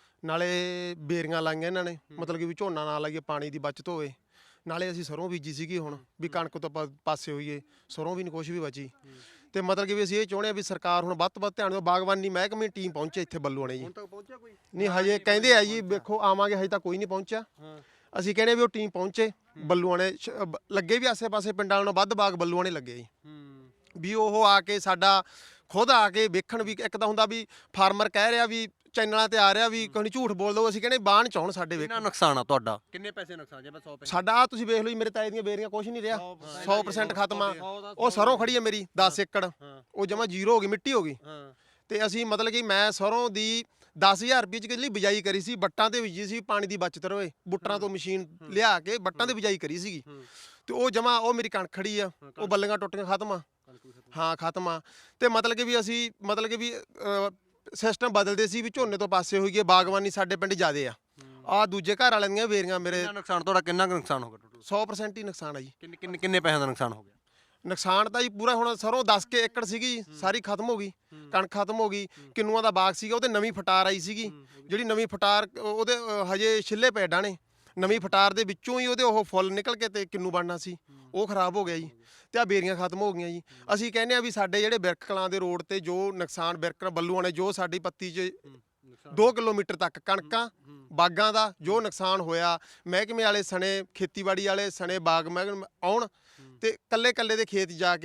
Speaker 4: ਨਾਲੇ ਬੇਰੀਆਂ ਲਾਈਆਂ ਇਹਨਾਂ ਨੇ, ਮਤਲਬ ਕਿ ਵੀ ਝੋਨਾ ਨਾ ਲਾਈਏ, ਪਾਣੀ ਦੀ ਬਚਤ ਹੋਵੇ। ਨਾਲੇ ਅਸੀਂ ਸਰੋਂ ਬੀਜੀ ਸੀਗੀ, ਹੁਣ ਵੀ ਕਣਕ ਤੋਂ ਆਪਾਂ ਪਾਸੇ ਹੋਈਏ, ਸਰੋਂ ਵੀ ਨਹੀਂ ਕੁਛ ਵੀ ਬਚੀ। ਤੇ ਮਤਲਬ ਕਿ ਵੀ ਅਸੀਂ ਇਹ ਚਾਹੁੰਦੇ ਆ ਵੀ ਸਰਕਾਰ ਹੁਣ ਵੱਧ ਤੋਂ ਵੱਧ ਧਿਆਨ ਦਿਓ। ਬਾਗਬਾਨੀ ਮਹਿਕਮੇ ਟੀਮ ਪਹੁੰਚੇ ਇੱਥੇ ਬੱਲੂਆਣੇ ਜੀ।
Speaker 3: ਹੁਣ ਤੱਕ ਪਹੁੰਚਿਆ ਕੋਈ?
Speaker 4: ਨਹੀਂ ਹਜੇ ਕਹਿੰਦੇ ਆ ਜੀ, ਵੇਖੋ ਆਵਾਂਗੇ, ਹਜੇ ਤਾਂ ਕੋਈ ਨਹੀਂ ਪਹੁੰਚਿਆ। ਅਸੀਂ ਕਹਿੰਦੇ ਵੀ ਉਹ ਟੀਮ ਪਹੁੰਚੇ ਬੱਲੂਆਣੇ, ਸ਼- ਬ- ਲੱਗੇ ਵੀ ਆਸੇ-ਪਾਸੇ ਪਿੰਡਾਂ ਨਾਲੋਂ ਵੱਧ ਬਾਗ ਬੱਲੂਆਣੇ ਲੱਗੇ ਜੀ, ਵੀ ਉਹ ਆ ਕੇ ਸਾਡਾ ਖੁਦ ਆ ਕੇ ਵੇਖਣ। ਵੀ ਇੱਕ ਤਾਂ ਹੁੰਦਾ ਵੀ ਫਾਰਮਰ ਕਹਿ ਰਿਹਾ ਵੀ ਚੈਨਲਾਂ ਤੇ ਆ ਰਿਹਾ ਵੀ ਕੋਈ ਝੂਠ ਬੋਲ ਦੋ, ਅਸੀਂ ਕਹਿੰਦੇ ਬਾਣ ਚਾਉਣ ਸਾਡੇ ਵੇਖ।
Speaker 3: ਕਿੰਨਾ ਨੁਕਸਾਨ ਆ ਤੁਹਾਡਾ? ਕਿੰਨੇ ਪੈਸੇ ਨੁਕਸਾਨ? ਜੇ ਮੈਂ ਸੌ ਪੈਸੇ
Speaker 4: ਸਾਡਾ ਆਹ ਤੁਸੀਂ ਵੇਖ ਲਓ ਜੀ, ਮੇਰੇ ਤਾਏ ਦੀਆਂ ਬੇਰੀਆਂ ਕੁਛ ਨਹੀਂ ਰਿਹਾ, ਸੌ ਪਰਸੈਂਟ ਖਤਮ ਆ। ਉਹ ਸਰੋਂ ਖੜੀ ਹੈ ਮੇਰੀ ਦਸ ਏਕੜ, ਉਹ ਜਮਾ ਜ਼ੀਰੋ ਹੋ ਗਈ, ਮਿੱਟੀ ਹੋ ਗਈ। ਤੇ ਅਸੀਂ ਮਤਲਬ ਕਿ ਮੈਂ ਸਰੋਂ ਦੀ ਦਸ ਹਜ਼ਾਰ ਰੁਪਏ ਚ ਲਈ ਬਿਜਾਈ ਕਰੀ ਸੀ, ਬੱਟਾਂ ਤੇ ਬੀਜੀ ਸੀ, ਪਾਣੀ ਦੀ ਬਚਤ ਰਵੇ, ਬੁੱਟਰਾਂ ਤੋਂ ਮਸ਼ੀਨ ਲਿਆ ਕੇ ਬੱਟਾਂ ਤੇ ਬਿਜਾਈ ਕਰੀ ਸੀਗੀ। ਤੇ ਉਹ ਜਮਾ ਉਹ ਮੇਰੀ ਕਣਕ ਖੜੀ ਆ, ਉਹ ਬੱਲੀਆਂ ਟੁੱਟੀਆਂ ਖਤਮ ਆ। ਹਾਂ ਖਤਮ ਆ। ਤੇ ਮਤਲਬ ਕਿ ਵੀ ਅਸੀਂ ਮਤਲਬ ਕਿ ਵੀ ਸਿਸਟਮ ਬਦਲਦੇ ਸੀ ਵੀ ਝੋਨੇ ਤੋਂ ਪਾਸੇ ਹੋਈਏ, ਬਾਗਬਾਨੀ ਸਾਡੇ ਪਿੰਡ ਜ਼ਿਆਦੇ ਆ। ਆ ਦੂਜੇ ਘਰ ਵਾਲਿਆਂ ਦੀਆਂ ਬੇਰੀਆਂ ਮੇਰੇ
Speaker 3: ਕਿੰਨਾ ਨੁਕਸਾਨ ਤੁਹਾਡਾ? ਕਿੰਨਾ ਕੁ ਨੁਕਸਾਨ ਹੋ ਗਿਆ ਟੋਟਲ?
Speaker 4: ਸੌ ਪਰਸੈਂਟ ਹੀ ਨੁਕਸਾਨ ਆ ਜੀ।
Speaker 3: ਕਿੰਨੇ ਕਿੰਨੇ ਕਿੰਨੇ ਪੈਸਿਆਂ ਦਾ ਨੁਕਸਾਨ ਹੋ ਗਿਆ?
Speaker 4: ਨੁਕਸਾਨ ਤਾਂ ਜੀ ਪੂਰਾ, ਹੁਣ ਸਰੋਂ ਦਸ ਕੇ ਏਕੜ ਸੀਗੀ, ਸਾਰੀ ਖਤਮ ਹੋ ਗਈ, ਕਣਕ ਖਤਮ ਹੋ ਗਈ। ਕਿੰਨੂਆਂ ਦਾ ਬਾਗ ਸੀਗਾ, ਉਹਤੇ ਨਵੀਂ ਫਟਾਰ ਆਈ ਸੀਗੀ, ਜਿਹੜੀ ਨਵੀਂ ਫਟਾਰ ਉਹਦੇ ਅ, ਹਜੇ ਛਿੱਲੇ ਪਏ ਡਾਣੇ। ਨਵੀਂ ਫਟਾਰ ਦੇ ਵਿੱਚੋਂ ਹੀ ਉਹਦੇ ਉਹ ਫੁੱਲ ਨਿਕਲ ਕੇ ਤੇ ਕਿੰਨੂ ਬਣਨਾ ਸੀ, ਉਹ ਖਰਾਬ ਹੋ ਗਿਆ ਜੀ। ਤੇ ਆ ਬੇਰੀਆਂ ਖਤਮ ਹੋ ਗਈਆਂ ਜੀ। ਅਸੀਂ ਕਹਿੰਦੇ ਆ ਵੀ ਸਾਡੇ ਜਿਹੜੇ ਬਿਰਕ ਕਲਾਂ ਦੇ ਰੋਡ ਤੇ ਜੋ ਨੁਕਸਾਨ ਬਿਰਕ ਬੱਲੂਆਣੇ ਜੋ ਸਾਡੀ ਪੱਤੀ 'ਚ ਦੋ ਕਿਲੋਮੀਟਰ ਤੱਕ ਕਣਕਾਂ ਬਾਗਾਂ ਦਾ ਜੋ ਨੁਕਸਾਨ ਹੋਇਆ, ਮਹਿਕਮੇ ਵਾਲੇ ਸਣੇ, ਖੇਤੀਬਾੜੀ ਵਾਲੇ ਸਣੇ, ਬਾਗ ਮਹਿਕਮੇ ਆਉਣ ਤੇ ਕੱਲੇ ਕੱਲੇ ਦੇ ਖੇਤ ਜਾ ਕੇ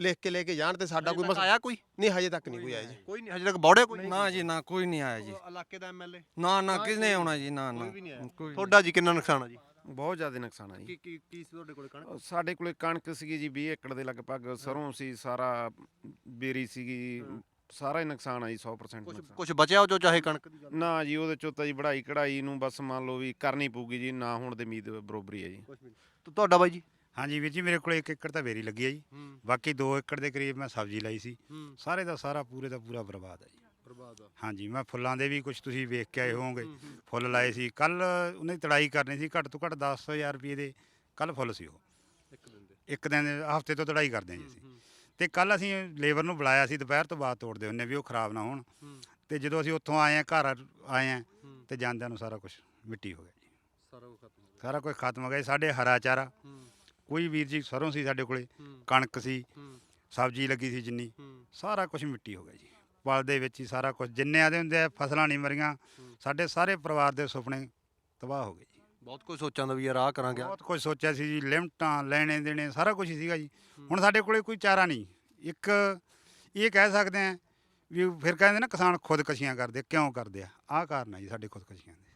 Speaker 4: ਲਿਖ ਕੇ ਲੈ ਕੇ ਜਾਣ ਤੇ ਸਾਡਾ ਕੋਈ
Speaker 3: ਤੱਕ
Speaker 4: ਮਸਲਾ
Speaker 3: ਆਇਆ ਕੋਈ
Speaker 4: ਨਹੀਂ, ਹਜੇ ਤੱਕ ਨਹੀਂ ਕੋਈ ਆਇਆ ਜੀ।
Speaker 3: ਕੋਈ ਨਹੀਂ ਹਜੇ ਤੱਕ ਬੌੜਿਆ ਕੋਈ
Speaker 1: ਨਾ ਜੀ ਨਾ ਕੋਈ ਨਹੀਂ ਆਇਆ ਜੀ।
Speaker 3: ਇਲਾਕੇ ਦਾ ਐਮਐਲਏ
Speaker 1: ਨਾ ਨਾ ਕਿਸਨੇ ਆਉਣਾ ਜੀ, ਨਾ ਨਾ
Speaker 3: ਕੋਈ ਵੀ ਨਹੀਂ ਆਇਆ।
Speaker 1: ਕੋਈ
Speaker 3: ਤੁਹਾਡਾ ਜੀ ਕਿੰਨਾ ਨੁਕਸਾਨ ਆ ਜੀ?
Speaker 8: ਬਹੁਤ ਜ਼ਿਆਦਾ ਨੁਕਸਾਨ ਆ ਜੀ।
Speaker 3: ਕੀ ਕੀ ਕੀ ਸੀ ਤੁਹਾਡੇ ਕੋਲ ਕਣਕ?
Speaker 8: ਸਾਡੇ ਕੋਲੇ ਕਣਕ ਸੀਗੀ ਜੀ ਵੀਹ ਏਕੜ ਦੇ ਲਗਭਗ, ਸਰੋਂ ਸੀ ਸਾਰਾ, ਬੇਰੀ ਸੀਗੀ, ਸਾਰਾ ਹੀ ਨੁਕਸਾਨ ਆ ਜੀ ਸੌ ਪਰਸੈਂਟ
Speaker 3: ਕੁਝ
Speaker 8: ਨੁਕਸਾਨ।
Speaker 3: ਕੁਝ ਬਚਿਆ ਉਹ ਚੋਂ ਚਾਹੇ ਕਣਕ ਦੀ ਗੱਲ
Speaker 8: ਨਾ ਜੀ ਉਹਦੇ ਚੋਂ ਤਾਂ ਜੀ ਵਢਾਈ ਕਢਾਈ ਨੂੰ ਬਸ ਮੰਨ ਲਓ ਵੀ ਕਰਨੀ ਪਊਗੀ ਜੀ, ਨਾ ਹੋਣ ਦੇ ਉਮੀਦ ਬਰੋਬਰੀ ਹੈ ਜੀ।
Speaker 3: ਕੁਝ ਵੀ ਨਹੀਂ। ਤੇ ਤੁਹਾਡਾ ਬਾਈ ਜੀ?
Speaker 2: ਹਾਂਜੀ ਵੀਰ ਜੀ, ਮੇਰੇ ਕੋਲ ਇੱਕ ਏਕੜ ਤਾਂ ਬੇਰੀ ਲੱਗੀ ਹੈ ਜੀ,
Speaker 3: ਹੂੰ
Speaker 2: ਬਾਕੀ ਦੋ ਏਕੜ ਦੇ ਕਰੀਬ ਮੈਂ ਸਬਜ਼ੀ ਲਾਈ ਸੀ।
Speaker 3: ਹੂੰ
Speaker 2: ਸਾਰੇ ਦਾ ਸਾਰਾ ਪੂਰੇ ਦਾ ਪੂਰਾ ਬਰਬਾਦ ਹੈ ਜੀ।
Speaker 3: ਬਰਬਾਦ ਆ।
Speaker 2: ਹਾਂਜੀ, ਮੈਂ ਫੁੱਲਾਂ ਦੇ ਵੀ ਕੁਝ ਤੁਸੀਂ ਵੇਖ ਕੇ ਆਏ ਹੋਵੋਗੇ, ਫੁੱਲ ਲਾਏ ਸੀ। ਕੱਲ ਉਹਨੇ ਤੜਾਈ ਕਰਨੀ ਸੀ, ਘੱਟ ਤੋਂ ਘੱਟ ਦਸ ਹਜ਼ਾਰ ਰੁਪਏ ਦੇ ਕੱਲ ਫੁੱਲ ਸੀ ਉਹ।
Speaker 3: ਇੱਕ ਦਿਨ ਦੇ
Speaker 2: ਇੱਕ ਦਿਨ ਹਫਤੇ ਤੋਂ ਤੜਾਈ ਕਰਦੇ ਹਾਂ ਜੀ ਅਸੀਂ। ਤੇ ਕੱਲ ਅਸੀਂ ਲੇਬਰ ਨੂੰ ਬੁਲਾਇਆ ਸੀ, ਦੁਪਹਿਰ ਤੋਂ ਬਾਅਦ ਤੋੜਦੇ ਹੁੰਦੇ ਵੀ ਉਹ ਖਰਾਬ ਨਾ ਹੋਣ। ਤੇ ਜਦੋਂ ਅਸੀਂ ਉੱਥੋਂ ਆਏ ਆ ਘਰ ਆਏ ਆ ਤੇ ਜਾਂਦਿਆਂ ਨੂੰ ਸਾਰਾ ਕੁਝ ਮਿੱਟੀ ਹੋ ਗਿਆ ਜੀ,
Speaker 3: ਸਾਰਾ ਕੁਝ ਖਤਮ ਹੋ ਗਿਆ।
Speaker 2: ਸਾਰਾ ਕੁਝ ਖਤਮ ਹੋ ਗਿਆ ਜੀ। ਸਾਡੇ ਹਰਾ ਚਾਰਾ
Speaker 3: ਹੂੰ
Speaker 2: ਕੋਈ ਵੀਰ ਜੀ, ਸਰੋਂ ਸੀ ਸਾਡੇ ਕੋਲੇ,
Speaker 3: ਹੂੰ
Speaker 2: ਕਣਕ ਸੀ,
Speaker 3: ਹੂੰ
Speaker 2: ਸਬਜ਼ੀ ਲੱਗੀ ਸੀ ਜਿੰਨੀ,
Speaker 3: ਹੂੰ
Speaker 2: ਸਾਰਾ ਕੁਝ ਮਿੱਟੀ ਹੋ ਗਿਆ ਜੀ। ਪਲ ਦੇ ਵਿੱਚ ਹੀ ਸਾਰਾ ਕੁਝ, ਜਿੰਨੇ ਆਦੇ ਹੁੰਦੇ ਆ ਫਸਲਾਂ ਨਹੀਂ ਮਰੀਆਂ, ਸਾਡੇ ਸਾਰੇ ਪਰਿਵਾਰ ਦੇ ਸੁਪਨੇ ਤਬਾਹ ਹੋ ਗਏ ਜੀ।
Speaker 3: ਬਹੁਤ ਕੁਝ ਸੋਚਾਂ ਦਾ ਵੀ ਯਾਰ ਆਹ ਕਰਾਂਗੇ।
Speaker 2: ਬਹੁਤ ਕੁਝ ਸੋਚਿਆ ਸੀ ਜੀ, ਲਿਮਟਾਂ ਲੈਣੇ ਦੇਣੇ ਸਾਰਾ ਕੁਝ ਹੀ ਸੀਗਾ ਜੀ। ਹੁਣ ਸਾਡੇ ਕੋਲੇ ਕੋਈ ਚਾਰਾ ਨਹੀਂ। ਇੱਕ ਇਹ ਕਹਿ ਸਕਦੇ ਆ ਵੀ ਫਿਰ ਕਹਿੰਦੇ ਨਾ ਕਿਸਾਨ ਖੁਦਕਸ਼ੀਆਂ ਕਰਦੇ, ਕਿਉਂ ਕਰਦੇ ਆ? ਆਹ ਕਾਰਨ ਆ ਜੀ ਸਾਡੇ ਖੁਦਕਸ਼ੀਆਂ ਦੇ।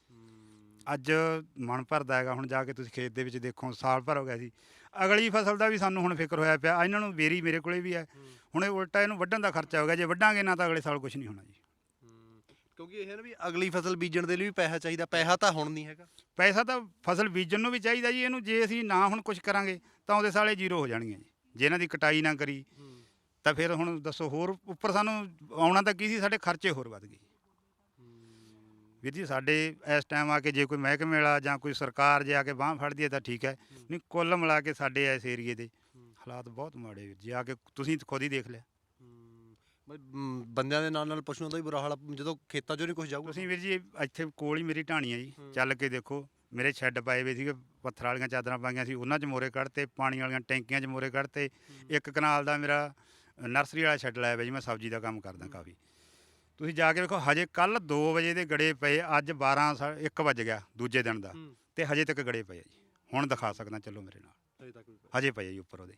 Speaker 2: ਅੱਜ ਮਨ ਭਰਦਾ ਹੈਗਾ, ਹੁਣ ਜਾ ਕੇ ਤੁਸੀਂ ਖੇਤ ਦੇ ਵਿੱਚ ਦੇਖੋ, ਸਾਲ ਭਰ ਹੋ ਗਿਆ ਸੀ। ਅਗਲੀ ਫਸਲ ਦਾ ਵੀ ਸਾਨੂੰ ਹੁਣ ਫਿਕਰ ਹੋਇਆ ਪਿਆ। ਇਹਨਾਂ ਨੂੰ ਬੇਰੀ ਮੇਰੇ ਕੋਲੇ ਵੀ ਹੈ, ਹੁਣ ਇਹ ਉਲਟਾ ਇਹਨੂੰ ਵੱਢਣ ਦਾ ਖਰਚਾ ਹੋ ਗਿਆ। ਜੇ ਵੱਢਾਂਗੇ ਨਾ ਤਾਂ ਅਗਲੇ ਸਾਲ ਕੁਝ ਨਹੀਂ ਹੋਣਾ ਜੀ।
Speaker 3: ਕਿਉਂਕਿ ਇਹ ਹੈ ਨਾ ਵੀ ਅਗਲੀ ਫਸਲ ਬੀਜਣ ਦੇ ਲਈ ਵੀ ਪੈਸਾ ਚਾਹੀਦਾ, ਪੈਸਾ ਤਾਂ ਹੁਣ ਨਹੀਂ ਹੈਗਾ।
Speaker 2: ਪੈਸਾ ਤਾਂ ਫਸਲ ਬੀਜਣ ਨੂੰ ਵੀ ਚਾਹੀਦਾ ਜੀ। ਇਹਨੂੰ ਜੇ ਅਸੀਂ ਨਾ ਹੁਣ ਕੁਝ ਕਰਾਂਗੇ ਤਾਂ ਉਹਦੇ ਸਾਲੇ ਜ਼ੀਰੋ ਹੋ ਜਾਣਗੇ ਜੀ। ਜੇ ਇਹਨਾਂ ਦੀ ਕਟਾਈ ਨਾ ਕਰੀ ਤਾਂ ਫਿਰ ਹੁਣ ਦੱਸੋ, ਹੋਰ ਉੱਪਰ ਸਾਨੂੰ ਆਉਣਾ ਤਾਂ ਕੀ ਸੀ, ਸਾਡੇ ਖਰਚੇ ਹੋਰ ਵੱਧ ਗਏ ਵੀਰ ਜੀ। ਸਾਡੇ ਇਸ ਟਾਈਮ ਆ ਕੇ ਜੇ ਕੋਈ ਮਹਿਕਮੇ ਵਾਲਾ ਜਾਂ ਕੋਈ ਸਰਕਾਰ ਜੇ ਆ ਕੇ ਬਾਂਹ ਫੜਦੀ ਹੈ ਤਾਂ ਠੀਕ ਹੈ, ਨਹੀਂ ਕੁੱਲ ਮਿਲਾ ਕੇ ਸਾਡੇ ਇਸ ਏਰੀਏ ਦੇ ਹਾਲਾਤ ਬਹੁਤ ਮਾੜੇ ਵੀਰ ਜੀ। ਆ ਕੇ ਤੁਸੀਂ ਖੁਦ ਹੀ ਦੇਖ ਲਿਆ।
Speaker 3: ਬਈ, ਮ, ਬੰਦਿਆਂ ਦੇ ਨਾਲ ਨਾਲ ਪਸ਼ੂਆਂ ਦਾ ਵੀ ਬੁਰਾ ਹਾਲ ਆ, ਜਦੋਂ ਖੇਤਾਂ 'ਚੋਂ ਨਹੀਂ ਕੁਝ ਜਾਊਗਾ।
Speaker 2: ਤੁਸੀਂ ਵੀਰ ਜੀ ਇੱਥੇ ਕੋਲ ਹੀ ਮੇਰੀ ਢਾਣੀ ਹੈ ਜੀ, ਚੱਲ ਕੇ ਦੇਖੋ। ਮੇਰੇ ਸ਼ੈੱਡ ਪਾਏ ਹੋਏ ਸੀਗੇ, ਪੱਥਰ ਵਾਲੀਆਂ ਚਾਦਰਾਂ ਪਾਈਆਂ ਸੀ, ਉਹਨਾਂ 'ਚ ਮੋਰੇ ਕੱਢਤੇ। ਪਾਣੀ ਵਾਲੀਆਂ ਟੈਂਕੀਆਂ 'ਚ ਮੋਰੇ ਕੱਢਤੇ। ਇੱਕ ਕਨਾਲ ਦਾ ਮੇਰਾ ਨਰਸਰੀ ਵਾਲਾ ਸ਼ੈੱਡ ਲਾਇਆ ਹੋਇਆ ਜੀ, ਮੈਂ ਸਬਜ਼ੀ ਦਾ ਕੰਮ ਕਰਦਾ ਕਾਫੀ। ਤੁਸੀਂ ਜਾ ਕੇ ਵੇਖੋ, ਹਜੇ ਕੱਲ ਦੋ ਵਜੇ ਦੇ ਗੜੇ ਪਏ, ਅੱਜ ਬਾਰਾਂ ਸਾ ਇੱਕ ਵੱਜ ਗਿਆ ਦੂਜੇ ਦਿਨ ਦਾ, ਤੇ ਹਜੇ ਤੱਕ ਗੜੇ ਪਏ ਆ ਜੀ। ਹੁਣ ਦਿਖਾ ਸਕਦਾ, ਚੱਲੋ ਮੇਰੇ ਨਾਲ, ਹਜੇ ਪਏ ਆ ਜੀ ਉੱਪਰ ਉਹਦੇ।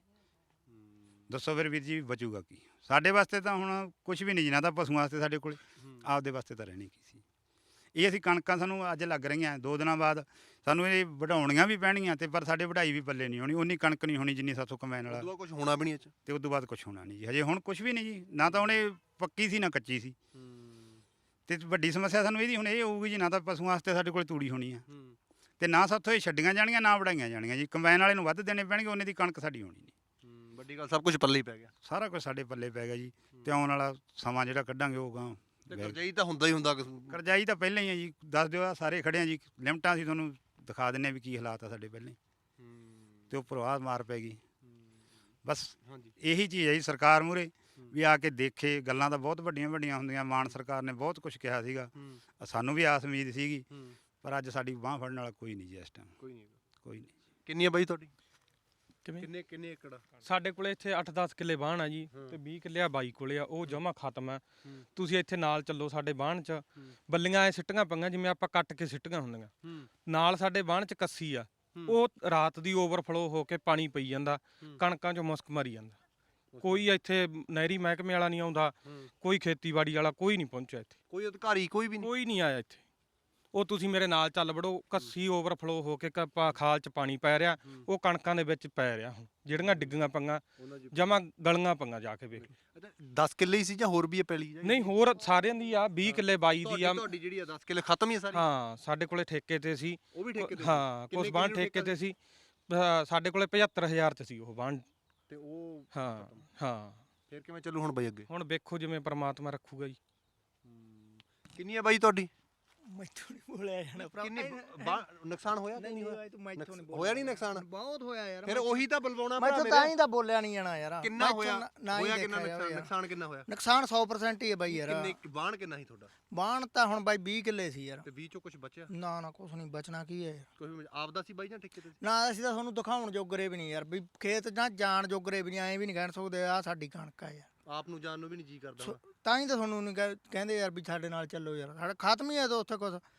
Speaker 2: ਦੱਸੋ ਫਿਰ ਵੀਰ ਜੀ ਬਚੂਗਾ ਕੀ? ਸਾਡੇ ਵਾਸਤੇ ਤਾਂ ਹੁਣ ਕੁਝ ਵੀ ਨਹੀਂ ਜੀ, ਨਾ ਤਾਂ ਪਸ਼ੂਆਂ ਵਾਸਤੇ ਸਾਡੇ ਕੋਲ, ਆਪਦੇ ਵਾਸਤੇ ਤਾਂ ਰਹਿਣੀ ਕੀ ਸੀ। ਇਹ ਅਸੀਂ ਕਣਕਾਂ ਸਾਨੂੰ ਅੱਜ ਲੱਗ ਰਹੀਆਂ, ਦੋ ਦਿਨਾਂ ਬਾਅਦ ਸਾਨੂੰ ਇਹ ਵਢਾਉਣੀਆਂ ਵੀ ਪੈਣਗੀਆਂ, ਤੇ ਪਰ ਸਾਡੇ ਵਢਾਈ ਵੀ ਪੱਲੇ ਨਹੀਂ ਹੋਣੀ, ਉਨੀ ਕਣਕ ਨਹੀਂ ਹੋਣੀ ਜਿੰਨੀ ਸਾਥੋਂ ਕਮਾਉਣ ਵਾਲਾ।
Speaker 3: ਉਦੋਂ ਕੁਝ ਹੋਣਾ ਵੀ ਨਹੀਂ ਇਹ 'ਚ।
Speaker 2: ਤੇ ਉਸ ਤੋਂ ਬਾਅਦ ਕੁਝ ਹੋਣਾ ਨਹੀਂ ਜੀ। ਹਜੇ ਹੁਣ ਕੁਝ ਵੀ ਨਹੀਂ ਜੀ, ਨਾ ਤਾਂ ਉਹਨੇ ਪੱਕੀ ਸੀ ਨਾ ਕੱਚੀ ਸੀ। ਤੇ ਵੱਡੀ ਸਮੱਸਿਆ ਸਾਨੂੰ ਇਹਦੀ ਹੁਣ ਇਹ ਹੋਊਗੀ ਜੀ, ਨਾ ਤਾਂ ਪਸ਼ੂਆਂ ਵਾਸਤੇ ਸਾਡੇ ਕੋਲ ਤੂੜੀ ਹੋਣੀ ਆ, ਤੇ ਨਾ ਸਾਥੋਂ ਇਹ ਛੱਡੀਆਂ ਜਾਣੀਆਂ, ਨਾ ਵਢਾਈਆਂ ਜਾਣੀਆਂ ਜੀ। ਕੰਬਾਈਨ ਵਾਲੇ ਨੂੰ ਵੱਧ ਦੇਣੇ ਪੈਣਗੇ, ਉਹਨੇ ਦੀ ਕਣਕ ਸਾਡੀ ਹੋਣੀ ਨਹੀਂ।
Speaker 3: ਵੱਡੀ ਗੱਲ, ਸਭ ਕੁਝ ਪੱਲੇ ਹੀ ਪੈ ਗਿਆ।
Speaker 2: ਸਾਰਾ ਕੁਝ ਸਾਡੇ ਪੱਲੇ ਪੈ ਗਿਆ ਜੀ। ਤੇ ਆਉਣ ਵਾਲਾ ਸਮਾਂ ਜਿਹੜਾ ਕੱਢਾਂਗੇ ਉਹ ਗਾਂ
Speaker 3: ਤੇ ਕਰਜ਼ਾਈ ਤਾਂ ਹੁੰਦਾ ਹੀ ਹੁੰਦਾ।
Speaker 2: ਕਰਜ਼ਾਈ ਤਾਂ ਪਹਿਲਾਂ ਹੀ ਆ ਜੀ, ਦੱਸ ਦਿਓ, ਆ ਸਾਰੇ ਖੜੇ ਆ ਜੀ। ਲਿਮਟਾਂ ਅਸੀਂ ਤੁਹਾਨੂੰ ਦਿਖਾ ਦਿੰਨੇ ਵੀ ਕੀ ਹਾਲਾਤ ਆ ਸਾਡੇ ਪਹਿਲਾਂ ਹੀ। ਤੇ ਉਹ ਪ੍ਰਵਾਹ ਮਾਰ ਪੈ ਗਈ। ਬਸ ਇਹੀ ਚੀਜ਼ ਹੈ ਜੀ, ਸਰਕਾਰ ਮੂਹਰੇ ਵੀ ਆ ਕੇ ਦੇਖੇ। ਗੱਲਾਂ ਤਾਂ ਬਹੁਤ ਵੱਡੀਆਂ ਵੱਡੀਆਂ ਹੁੰਦੀਆਂ, ਮਾਨ ਸਰਕਾਰ ਨੇ ਬਹੁਤ ਕੁਝ ਕਿਹਾ ਸੀਗਾ, ਸਾਨੂੰ ਵੀ ਆਸ ਉਮੀਦ ਸੀਗੀ, ਪਰ ਅੱਜ ਸਾਡੀ ਬਾਂਹ ਫੜਨ ਵਾਲਾ ਕੋਈ ਨਹੀਂ ਜੀ ਇਸ ਟਾਈਮ।
Speaker 3: ਕੋਈ ਨਹੀਂ
Speaker 2: ਕੋਈ ਨਹੀਂ।
Speaker 3: ਕਿੰਨੀ ਆ ਬਾਈ ਤੁਹਾਡੀ?
Speaker 5: ਕਿਵੇਂ?
Speaker 3: ਕਿੰਨੇ ਕਿੰਨੇ ਏਕੜ?
Speaker 5: ਸਾਡੇ ਕੋਲੇ ਇੱਥੇ ਅੱਠ ਦਸ ਕਿੱਲੇ ਬਾਣ ਆ ਜੀ, ਤੇ ਵੀਹ ਕਿੱਲੇ ਆ ਬਾਈ ਕੋਲੇ ਆ, ਉਹ ਜਮਾ ਖਤਮ ਆ। ਤੁਸੀਂ ਇੱਥੇ ਨਾਲ ਚੱਲੋ, ਸਾਡੇ ਬਾਣ 'ਚ ਬੱਲੀਆਂ ਐ ਸਿੱਟੀਆਂ ਪਈਆਂ ਜਿਵੇਂ ਆਪਾਂ ਕੱਟ ਕੇ ਸਿੱਟੀਆਂ ਹੁੰਦੀਆਂ। ਨਾਲ ਸਾਡੇ ਬਾਣ 'ਚ ਕੱਸੀ ਆ, ਉਹ ਰਾਤ ਦੀ ਓਵਰਫਲੋ ਹੋ ਕੇ ਪਾਣੀ ਪਈ ਜਾਂਦਾ, ਕਣਕਾਂ 'ਚੋਂ ਮੁਸਕ ਮਾਰੀ ਜਾਂਦਾ। ਕੋਈ ਇੱਥੇ ਨਹਿਰੀ ਮਹਿਕਮੇ ਵਾਲਾ ਨਹੀਂ ਆਉਂਦਾ, ਕੋਈ ਖੇਤੀਬਾੜੀ ਵਾਲਾ ਕੋਈ ਨਹੀਂ ਪਹੁੰਚਿਆ ਇੱਥੇ,
Speaker 3: ਕੋਈ ਅਧਿਕਾਰੀ ਕੋਈ ਵੀ ਨਹੀਂ?
Speaker 5: ਕੋਈ ਨਹੀਂ ਆਇਆ ਇੱਥੇ। ਉਹ ਤੁਸੀਂ ਮੇਰੇ ਨਾਲ ਚੱਲ ਵੜੋ, ਕੱਸੀ ਓਵਰਫਲੋ ਹੋ ਕੇ ਕ- ਪਾ- ਖਾਲ 'ਚ ਪਾਣੀ ਪੈ ਰਿਹਾ, ਉਹ ਕਣਕਾਂ ਦੇ ਵਿੱਚ ਪੈ ਰਿਹਾ। ਹੁਣ ਜਿਹੜੀਆਂ ਡਿੱਗੀਆਂ ਪਈਆਂ ਜਮਾ ਗਲੀਆਂ ਪਈਆਂ, ਜਾ ਕੇ ਵੇਖ ਲਓ।
Speaker 3: ਦਸ ਕਿੱਲੇ ਹੀ ਸੀ ਜਾਂ ਹੋਰ ਵੀ ਹੈ ਪੈਲੀ?
Speaker 5: ਨਹੀਂ, ਹੋਰ ਸਾਰਿਆਂ ਦੀ ਆ, ਵੀਹ ਕਿੱਲੇ ਬਾਈ ਦੀ ਆ।
Speaker 3: ਤੁਹਾਡੀ ਜਿਹੜੀ ਆ ਦਸ ਕਿੱਲੇ ਖਤਮ ਹੀ ਆ ਸਾਰੀ?
Speaker 5: ਹਾਂ, ਸਾਡੇ ਕੋਲੇ ਠੇਕੇ ਤੇ ਸੀ।
Speaker 3: ਉਹ ਵੀ ਠੇਕੇ ਤੇ?
Speaker 5: ਹਾਂ, ਕੁਛ ਬਾਣ ਠੇਕੇ ਤੇ ਸੀ। ਹਾਂ, ਸਾਡੇ ਕੋਲੇ ਪਝੱਤਰ ਹਜ਼ਾਰ 'ਚ ਸੀ ਉਹ ਬਾਣ।
Speaker 3: ਤੇ ਉਹ
Speaker 5: ਹਾਂ ਹਾਂ।
Speaker 3: ਫਿਰ ਕਿਵੇਂ ਚੱਲੂ ਹੁਣ ਬਾਈ ਅੱਗੇ?
Speaker 5: ਹੁਣ ਵੇਖੋ ਜਿਵੇਂ ਪ੍ਰਮਾਤਮਾ ਰੱਖੂਗਾ ਜੀ।
Speaker 3: ਕਿੰਨੀ ਆ ਬਾਈ ਤੁਹਾਡੀ?
Speaker 9: ਮੈਥੋਂ ਨਹੀਂ ਬੋਲਿਆ ਜਾਣਾ ਭਰਾ।
Speaker 3: ਕਿੰਨੀ ਬਾ- ਨੁਕਸਾਨ ਹੋਇਆ ਕਿ
Speaker 9: ਨਹੀਂ
Speaker 3: ਨਹੀਂ
Speaker 9: ਹੋਇਆ,
Speaker 3: ਹੋਇਆ?
Speaker 9: ਤੂੰ ਮੈਥੋਂ ਨਹੀਂ
Speaker 3: ਹੋਇਆ ਨਹੀਂ ਨੁਕਸਾਨ?
Speaker 9: ਬਹੁਤ ਹੋਇਆ ਯਾਰ।
Speaker 3: ਫਿਰ ਉਹੀ ਤਾਂ ਬੁਲਵਾਉਣਾ ਭਰਾ
Speaker 9: ਮੈਥੋਂ
Speaker 3: ਮੇਰਾ।
Speaker 9: ਤਾਂ ਹੀ ਤਾਂ ਬੋਲਿਆ ਨਹੀਂ ਜਾਣਾ ਯਾਰ।
Speaker 3: ਕਿੰਨਾ
Speaker 9: ਮੈਥੋਂ
Speaker 3: ਹੋਇਆ?
Speaker 9: ਨਾ- ਨਾ ਹੀ
Speaker 3: ਹੋਇਆ ਕਿੰਨਾ
Speaker 9: ਦੇਖਿਆ
Speaker 3: ਨੁਕਸਾਨ?
Speaker 9: ਯਾਰ।
Speaker 3: ਨੁਕਸਾਨ ਕਿੰਨਾ ਹੋਇਆ?
Speaker 9: ਨੁਕਸਾਨ ਸੌ ਪਰਸੈਂਟ ਹੀ ਹੈ ਬਾਈ ਯਾਰ।
Speaker 3: ਕਿੰਨੇ ਬਾਣ ਕਿੰਨਾ ਸੀ ਤੁਹਾਡਾ?
Speaker 9: ਬਾਣ ਤਾਂ ਹੁਣ ਬਾਈ ਵੀਹ ਕਿੱਲੇ ਸੀ ਯਾਰ।
Speaker 3: ਤੇ ਵੀਹ ਚੋਂ ਕੁਝ ਬਚਿਆ?
Speaker 9: ਨਾ ਨਾ ਕੁਛ ਨਹੀਂ ਬਚਣਾ, ਕੀ ਹੈ ਯਾਰ।
Speaker 3: ਕੋਈ ਆਪਦਾ ਸੀ ਬਾਈ ਜਾਂ ਠੇਕੇ ਤੇ ਸੀ?
Speaker 9: ਨਾ ਅਸੀਂ ਤਾਂ ਤੁਹਾਨੂੰ ਦਿਖਾਉਣ ਜੋਗਰੇ ਵੀ ਨਹੀਂ ਯਾਰ, ਵੀ ਖੇਤ ਨਾ ਜਾਣ ਜੋਗਰੇ ਵੀ ਨਹੀਂ, ਐਂ ਵੀ ਨਹੀਂ ਕਹਿ ਸਕਦੇ ਆ ਸਾਡੀ ਕਣਕ ਆ ਯਾਰ।
Speaker 3: ਆਪ ਨੂੰ ਜਾਣ ਨੂੰ ਵੀ ਨਹੀਂ ਜੀ ਕਰਦਾ ਹੋਣਾ।
Speaker 9: ਤਾਂ ਹੀ ਤਾਂ ਤੁਹਾਨੂੰ ਨਹੀਂ ਕਹਿੰਦੇ ਯਾਰ ਵੀ ਸਾਡੇ ਨਾਲ ਚੱਲੋ ਯਾਰ, ਸਾਡਾ ਖਤਮ ਹੀ ਹੈ ਤਾਂ ਉੱਥੇ ਕੁਛ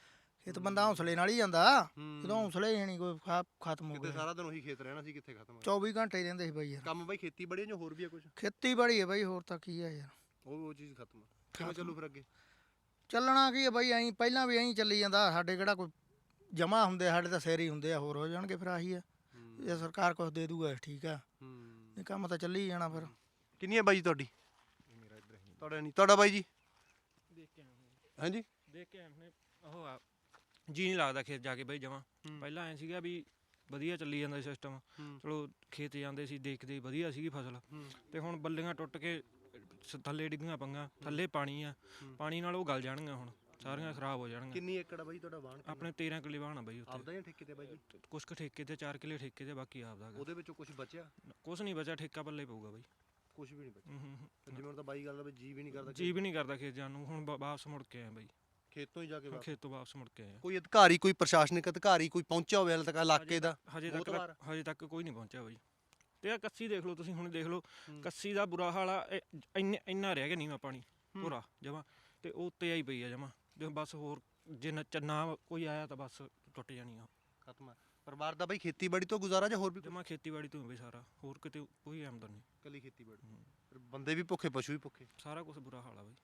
Speaker 9: ਇਹ ਤਾਂ ਬੰਦਾ ਹੌਸਲੇ ਨਾਲ ਹੀ ਜਾਂਦਾ ਜਦੋਂ ਹੌਸਲੇ ਹੀ ਨਹੀਂ ਕੋਈ ਖਾ- ਖਤਮ ਹੋ
Speaker 3: ਕਿਤੇ
Speaker 9: ਗਿਆ
Speaker 3: ਸਾਰਾ ਦਿਨ ਉਹੀ ਖੇਤ ਰਹਿਣਾ ਸੀ, ਕਿੱਥੇ ਖਤਮ ਹੋਇਆ
Speaker 9: ਚੌਵੀ ਘੰਟੇ ਹੀ ਰਹਿੰਦੇ ਸੀ ਬਾਈ ਯਾਰ
Speaker 3: ਕੰਮ ਬਾਈ ਖੇਤੀਬਾੜੀ ਜਾਂ ਹੋਰ ਵੀ ਆ ਕੁਝ?
Speaker 9: ਖੇਤੀਬਾੜੀ ਹੈ ਬਾਈ, ਹੋਰ ਤਾਂ ਕੀ ਆ ਯਾਰ।
Speaker 3: ਉਹ ਉਹ ਚੀਜ਼ ਖਤਮ ਆ। ਕਿਵੇਂ ਚੱਲੂ ਫਿਰ ਅੱਗੇ?
Speaker 9: ਚੱਲਣਾ ਕੀ ਹੈ ਬਾਈ, ਐਂ ਪਹਿਲਾਂ ਵੀ ਐਂ ਚੱਲੀ ਜਾਂਦਾ, ਸਾਡੇ ਕਿਹੜਾ ਕੋਈ ਜਮਾ ਹੁੰਦੇ, ਸਾਡੇ ਤਾਂ ਸਿਰ ਹੀ ਹੁੰਦੇ ਆ, ਹੋਰ ਹੋ ਜਾਣਗੇ ਫਿਰ ਆਹੀ ਆ। ਜੇ ਸਰਕਾਰ ਕੁਝ ਦੇ ਦੂਗਾ ਠੀਕ ਆ, ਇਹ ਕੰਮ ਤਾਂ ਚੱਲੀ ਜਾਣਾ ਫਿਰ।
Speaker 3: ਕਿੰਨੀ ਹੈ ਬਾਈ ਤੁਹਾਡੀ? ਤੁਹਾਡਾ ਨਹੀਂ, ਤੁਹਾਡਾ ਬਾਈ ਜੀ?
Speaker 5: ਦੇਖ ਕੇ ਆਏ
Speaker 3: ਹਾਂਜੀ
Speaker 5: ਦੇਖ ਕੇ ਆਏ ਉਹ ਆ ਜੀ ਨਹੀਂ ਲੱਗਦਾ ਖੇਤ ਜਾ ਕੇ ਬਾਈ ਜਮਾਂ। ਪਹਿਲਾਂ ਐ ਸੀਗਾ ਵੀ ਵਧੀਆ ਚੱਲੀ ਜਾਂਦਾ ਸਿਸਟਮ, ਚਲੋ ਖੇਤ ਜਾਂਦੇ ਸੀ ਦੇਖਦੇ ਵਧੀਆ ਸੀਗੀ ਫਸਲ, ਤੇ ਹੁਣ ਬੱਲੀਆਂ ਟੁੱਟ ਕੇ ਸ- ਥੱਲੇ ਡਿੱਗੀਆਂ ਪੰਗਾ, ਥੱਲੇ ਪਾਣੀ ਆ, ਪਾਣੀ ਨਾਲ ਉਹ ਗਲ ਜਾਣਗੀਆਂ ਹੁਣ, ਸਾਰੀਆਂ ਖਰਾਬ ਹੋ ਜਾਣਗੀਆਂ।
Speaker 3: ਕਿੰਨੀ ਏਕੜ ਆ ਬਾਈ ਤੁਹਾਡਾ ਵਾਹਣ?
Speaker 5: ਆਪਣੇ ਤੇਰਾਂ ਕਿੱਲੇ ਵਾਹਣ ਆ ਬਾਈ ਉੱਥੇ,
Speaker 3: ਆਪਦਾ ਜਾਂ ਠੇਕੇ ਤੇ ਬਾਈ ਜੀ?
Speaker 5: ਕੁਛ ਕੁ ਠੇਕੇ ਤੇ, ਚਾਰ ਕਿੱਲੇ ਠੇਕੇ ਤੇ, ਬਾਕੀ ਆਪਦਾ ਗਾ।
Speaker 3: ਉਹਦੇ ਵਿੱਚੋਂ ਕੁਝ ਬਚਿਆ?
Speaker 5: ਕੁਛ ਨਹੀਂ ਬਚਿਆ, ਠੇਕਾ ਪੱਲੇ ਪਊਗਾ ਬਾਈ।
Speaker 3: ਕੁਝ ਵੀ ਨਹੀਂ ਬਚਿਆ।
Speaker 5: ਹੂੰ ਹੂੰ ਹੂੰ।
Speaker 3: ਜਿਵੇਂ ਹੁਣ ਤਾਂ ਬਾਈ ਗੱਲ ਦਾ ਵੀ ਜੀ ਵੀ ਨਹੀਂ ਕਰਦਾ
Speaker 5: ਜੀ ਵੀ ਨਹੀਂ ਕਰਦਾ ਖੇਤ ਜਾਣ ਨੂੰ, ਹੁਣ ਵਾ- ਵਾਪਸ ਮੁੜ ਕੇ ਆਏ ਬਾਈ,
Speaker 3: ਖੇਤੋਂ ਹੀ ਜਾ ਕੇ
Speaker 5: ਹੁਣ
Speaker 3: ਵਾਪਸ।
Speaker 5: ਖੇਤ ਤੋਂ ਵਾਪਸ ਮੁੜ ਕੇ ਆਏ ਆ।
Speaker 3: ਕੋਈ ਅਧਿਕਾਰੀ, ਕੋਈ ਪ੍ਰਸ਼ਾਸਨਿਕ ਅਧਿਕਾਰੀ ਕੋਈ ਪਹੁੰਚਿਆ ਹੋਵੇ ਹਾਲੇ ਤੱਕ ਇਲਾਕੇ ਦਾ?
Speaker 5: ਹਜੇ
Speaker 3: ਬਹੁਤ
Speaker 5: ਤੱਕ
Speaker 3: ਵਾਰ।
Speaker 5: ਹਜੇ ਤੱਕ ਕੋਈ ਨਹੀਂ ਪਹੁੰਚਿਆ ਬਾਈ। ਤੇ ਆ ਕੱਸੀ ਦੇਖ ਲਓ ਤੁਸੀਂ, ਹੁਣ ਦੇਖ ਲਓ ਕੱਸੀ ਦਾ ਬੁਰਾ ਹਾਲ ਆ, ਇਹ ਇੰਨੇ ਇੰਨਾ ਰਹਿ ਗਿਆ ਨੀਵਾਂ ਪਾਣੀ ਪੂਰਾ ਜਮਾ, ਤੇ ਉਹ ਉੱਤੇ ਆਈ ਪਈ ਆ ਜਮਾ, ਜੇ ਬਸ ਹੋਰ ਜੇ ਨਾ ਚ- ਨਾ ਕੋਈ ਆਇਆ ਤਾਂ ਬਸ ਟੁੱਟ ਜਾਣੀ ਆ
Speaker 3: ਖਤਮ ਆ। ਪਰਿਵਾਰ ਦਾ ਬਾਈ ਖੇਤੀਬਾੜੀ ਤੋਂ ਗੁਜ਼ਾਰਾ ਜਾਂ ਹੋਰ ਵੀ?
Speaker 5: ਜਮਾ ਖੇਤੀਬਾੜੀ ਤੋਂ ਬਈ ਸਾਰਾ, ਹੋਰ ਕਿਤੇ ਕੋਈ ਆਮਦਨ ਨਹੀਂ,
Speaker 3: ਕੱਲੀ ਖੇਤੀਬਾੜੀ। ਫਿਰ ਬੰਦੇ ਵੀ ਭੁੱਖੇ, ਪਸ਼ੂ ਵੀ ਭੁੱਖੇ।
Speaker 5: ਸਾਰਾ ਕੁਝ ਬੁਰਾ ਹਾਲ ਆ ਬਾਈ।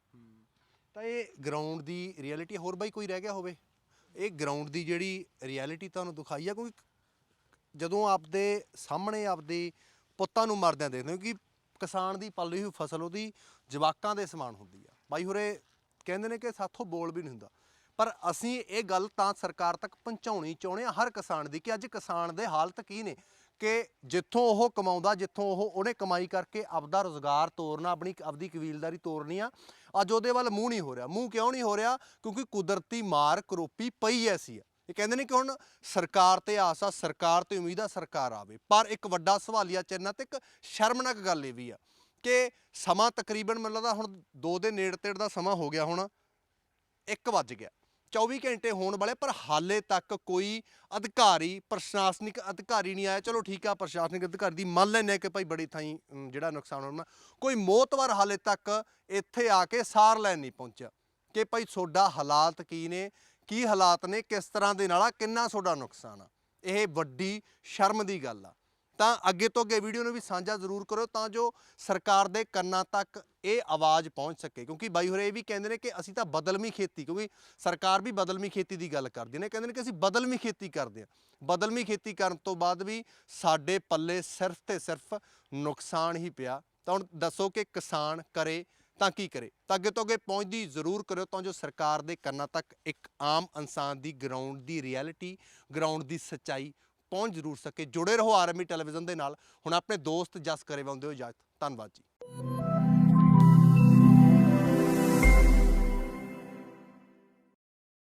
Speaker 3: ਤਾਂ ਇਹ ਗਰਾਊਂਡ ਦੀ ਰਿਐਲਿਟੀ। ਹੋਰ ਬਾਈ ਕੋਈ ਰਹਿ ਗਿਆ ਹੋਵੇ? ਇਹ ਗਰਾਊਂਡ ਦੀ ਜਿਹੜੀ ਰਿਐਲਿਟੀ ਤੁਹਾਨੂੰ ਦਿਖਾਈ ਆ, ਕਿਉਂਕਿ ਜਦੋਂ ਆਪਦੇ ਸਾਹਮਣੇ ਆਪਦੇ ਪੁੱਤਾਂ ਨੂੰ ਮਰਦਿਆਂ ਦੇਖਦੇ ਹੋ ਕਿ ਕਿਸਾਨ ਦੀ ਪਾਲੀ ਹੋਈ ਫਸਲ ਉਹਦੀ ਜਵਾਕਾਂ ਦੇ ਸਮਾਨ ਹੁੰਦੀ ਆ। ਬਾਈ ਹੋਰੇ ਕਹਿੰਦੇ ਨੇ ਕਿ ਸਾਥੋਂ ਬੋਲ ਵੀ ਨਹੀਂ ਹੁੰਦਾ, ਪਰ ਅਸੀਂ ਇਹ ਗੱਲ ਤਾਂ ਸਰਕਾਰ ਤੱਕ ਪਹੁੰਚਾਉਣੀ ਚਾਹੁੰਦੇ ਆ ਹਰ ਕਿਸਾਨ ਦੀ, ਕਿ ਅੱਜ ਕਿਸਾਨ ਦੇ ਹਾਲਤ ਕੀ ਨੇ, ਕਿ ਜਿੱਥੋਂ ਉਹ ਕਮਾਉਂਦਾ, ਜਿੱਥੋਂ ਉਹ ਉਹਨੇ ਕਮਾਈ ਕਰਕੇ ਆਪਦਾ ਰੁਜ਼ਗਾਰ ਤੋਰਨਾ, ਆਪਣੀ ਆਪਦੀ ਕਬੀਲਦਾਰੀ ਤੋਰਨੀ ਆ, ਅੱਜ ਉਹਦੇ ਵੱਲ ਮੂੰਹ ਨਹੀਂ ਹੋ ਰਿਹਾ। ਮੂੰਹ ਕਿਉਂ ਨਹੀਂ ਹੋ ਰਿਹਾ? ਕਿਉਂਕਿ ਕੁਦਰਤੀ ਮਾਰ ਕਰੋਪੀ ਪਈ ਐਸੀ ਆ। ਇਹ ਕਹਿੰਦੇ ਨੇ ਕਿ ਹੁਣ ਸਰਕਾਰ ਤੇ ਆਸ ਆ, ਸਰਕਾਰ ਤੇ ਉਮੀਦ ਆ, ਸਰਕਾਰ ਆਵੇ। ਪਰ ਇੱਕ ਵੱਡਾ ਸਵਾਲੀਆ ਚਿੰਨ੍ਹ ਤੇ ਇੱਕ ਸ਼ਰਮਨਾਕ ਗੱਲ ਇਹ ਵੀ ਆ ਕਿ ਸਮਾਂ ਤਕਰੀਬਨ ਮੈਨੂੰ ਲੱਗਦਾ ਹੁਣ ਦੋ ਦੇ ਨੇੜੇ ਤੇੜ ਦਾ ਸਮਾਂ ਹੋ ਗਿਆ, ਹੁਣ ਇੱਕ ਵੱਜ ਗਿਆ, ਚੌਵੀ ਘੰਟੇ ਹੋਣ ਵਾਲੇ, ਪਰ ਹਾਲੇ ਤੱਕ ਕੋਈ ਅਧਿਕਾਰੀ, ਪ੍ਰਸ਼ਾਸਨਿਕ ਅਧਿਕਾਰੀ ਨਹੀਂ ਆਇਆ। ਚਲੋ ਠੀਕ ਆ, ਪ੍ਰਸ਼ਾਸਨਿਕ ਅਧਿਕਾਰੀ ਦੀ ਮੰਨ ਲੈਂਦੇ ਕਿ ਭਾਈ ਬੜੀ ਥਾਈਂ ਅਮ, ਜਿਹੜਾ ਨੁਕਸਾਨ ਹੋਣਾ, ਕੋਈ ਮੋਹਤਵਰ ਹਾਲੇ ਤੱਕ ਇੱਥੇ ਆ ਕੇ ਸਾਰ ਲੈਣ ਨਹੀਂ ਪਹੁੰਚਿਆ ਕਿ ਭਾਈ ਤੁਹਾਡਾ ਹਾਲਾਤ ਕੀ ਨੇ, ਕੀ ਹਾਲਾਤ ਨੇ, ਕਿਸ ਤਰ੍ਹਾਂ ਦੇ ਨਾਲ ਆ, ਕਿੰਨਾ ਤੁਹਾਡਾ ਨੁਕਸਾਨ ਆ। ਇਹ ਵੱਡੀ ਸ਼ਰਮ ਦੀ ਗੱਲ ਆ। ਤਾਂ ਅੱਗੇ ਤੋਂ ਅੱਗੇ ਵੀਡੀਓ ਨੂੰ ਵੀ ਸਾਂਝਾ ਜ਼ਰੂਰ ਕਰੋ ਤਾਂ ਜੋ ਸਰਕਾਰ ਦੇ ਕੰਨਾਂ ਤੱਕ ਇਹ ਆਵਾਜ਼ ਪਹੁੰਚ ਸਕੇ, ਕਿਉਂਕਿ ਬਾਈ ਹੋਰੇ ਇਹ ਵੀ ਕਹਿੰਦੇ ਨੇ ਕਿ ਅਸੀਂ ਤਾਂ ਬਦਲਵੀਂ ਖੇਤੀ, ਕਿਉਂਕਿ ਸਰਕਾਰ ਵੀ ਬਦਲਵੀਂ ਖੇਤੀ ਦੀ ਗੱਲ ਕਰਦੀ ਨੇ, ਕਹਿੰਦੇ ਨੇ ਕਿ ਅਸੀਂ ਬਦਲਵੀਂ ਖੇਤੀ ਕਰਦੇ ਹਾਂ। ਬਦਲਵੀਂ ਖੇਤੀ ਕਰਨ ਤੋਂ ਬਾਅਦ ਵੀ ਸਾਡੇ ਪੱਲੇ ਸਿਰਫ ਤੇ ਸਿਰਫ ਨੁਕਸਾਨ ਹੀ ਪਿਆ। ਤਾਂ ਹੁਣ ਦੱਸੋ ਕਿ ਕਿਸਾਨ ਕਰੇ ਤਾਂ ਕੀ ਕਰੇ? ਤਾਂ ਅੱਗੇ ਤੋਂ ਅੱਗੇ ਪਹੁੰਚਦੀ ਜ਼ਰੂਰ ਕਰਿਓ ਤਾਂ ਜੋ ਸਰਕਾਰ ਦੇ ਕੰਨਾਂ ਤੱਕ ਇੱਕ ਆਮ ਇਨਸਾਨ ਦੀ ਗਰਾਊਂਡ ਦੀ ਰਿਐਲਿਟੀ, ਗਰਾਊਂਡ ਦੀ ਸੱਚਾਈ ਪਹੁੰਚ ਜ਼ਰੂਰ ਸਕੇ। ਜੁੜੇ ਰਹੋ ਆਰਐਮਈ ਟੈਲੀਵਿਜ਼ਨ ਦੇ ਨਾਲ। ਹੁਣ ਆਪਣੇ ਦੋਸਤ ਜਸ ਕਰੇ ਵਾਉਂਦੇ ਹੋ ਇਜਾਜ਼ਤ। ਧੰਨਵਾਦ ਜੀ।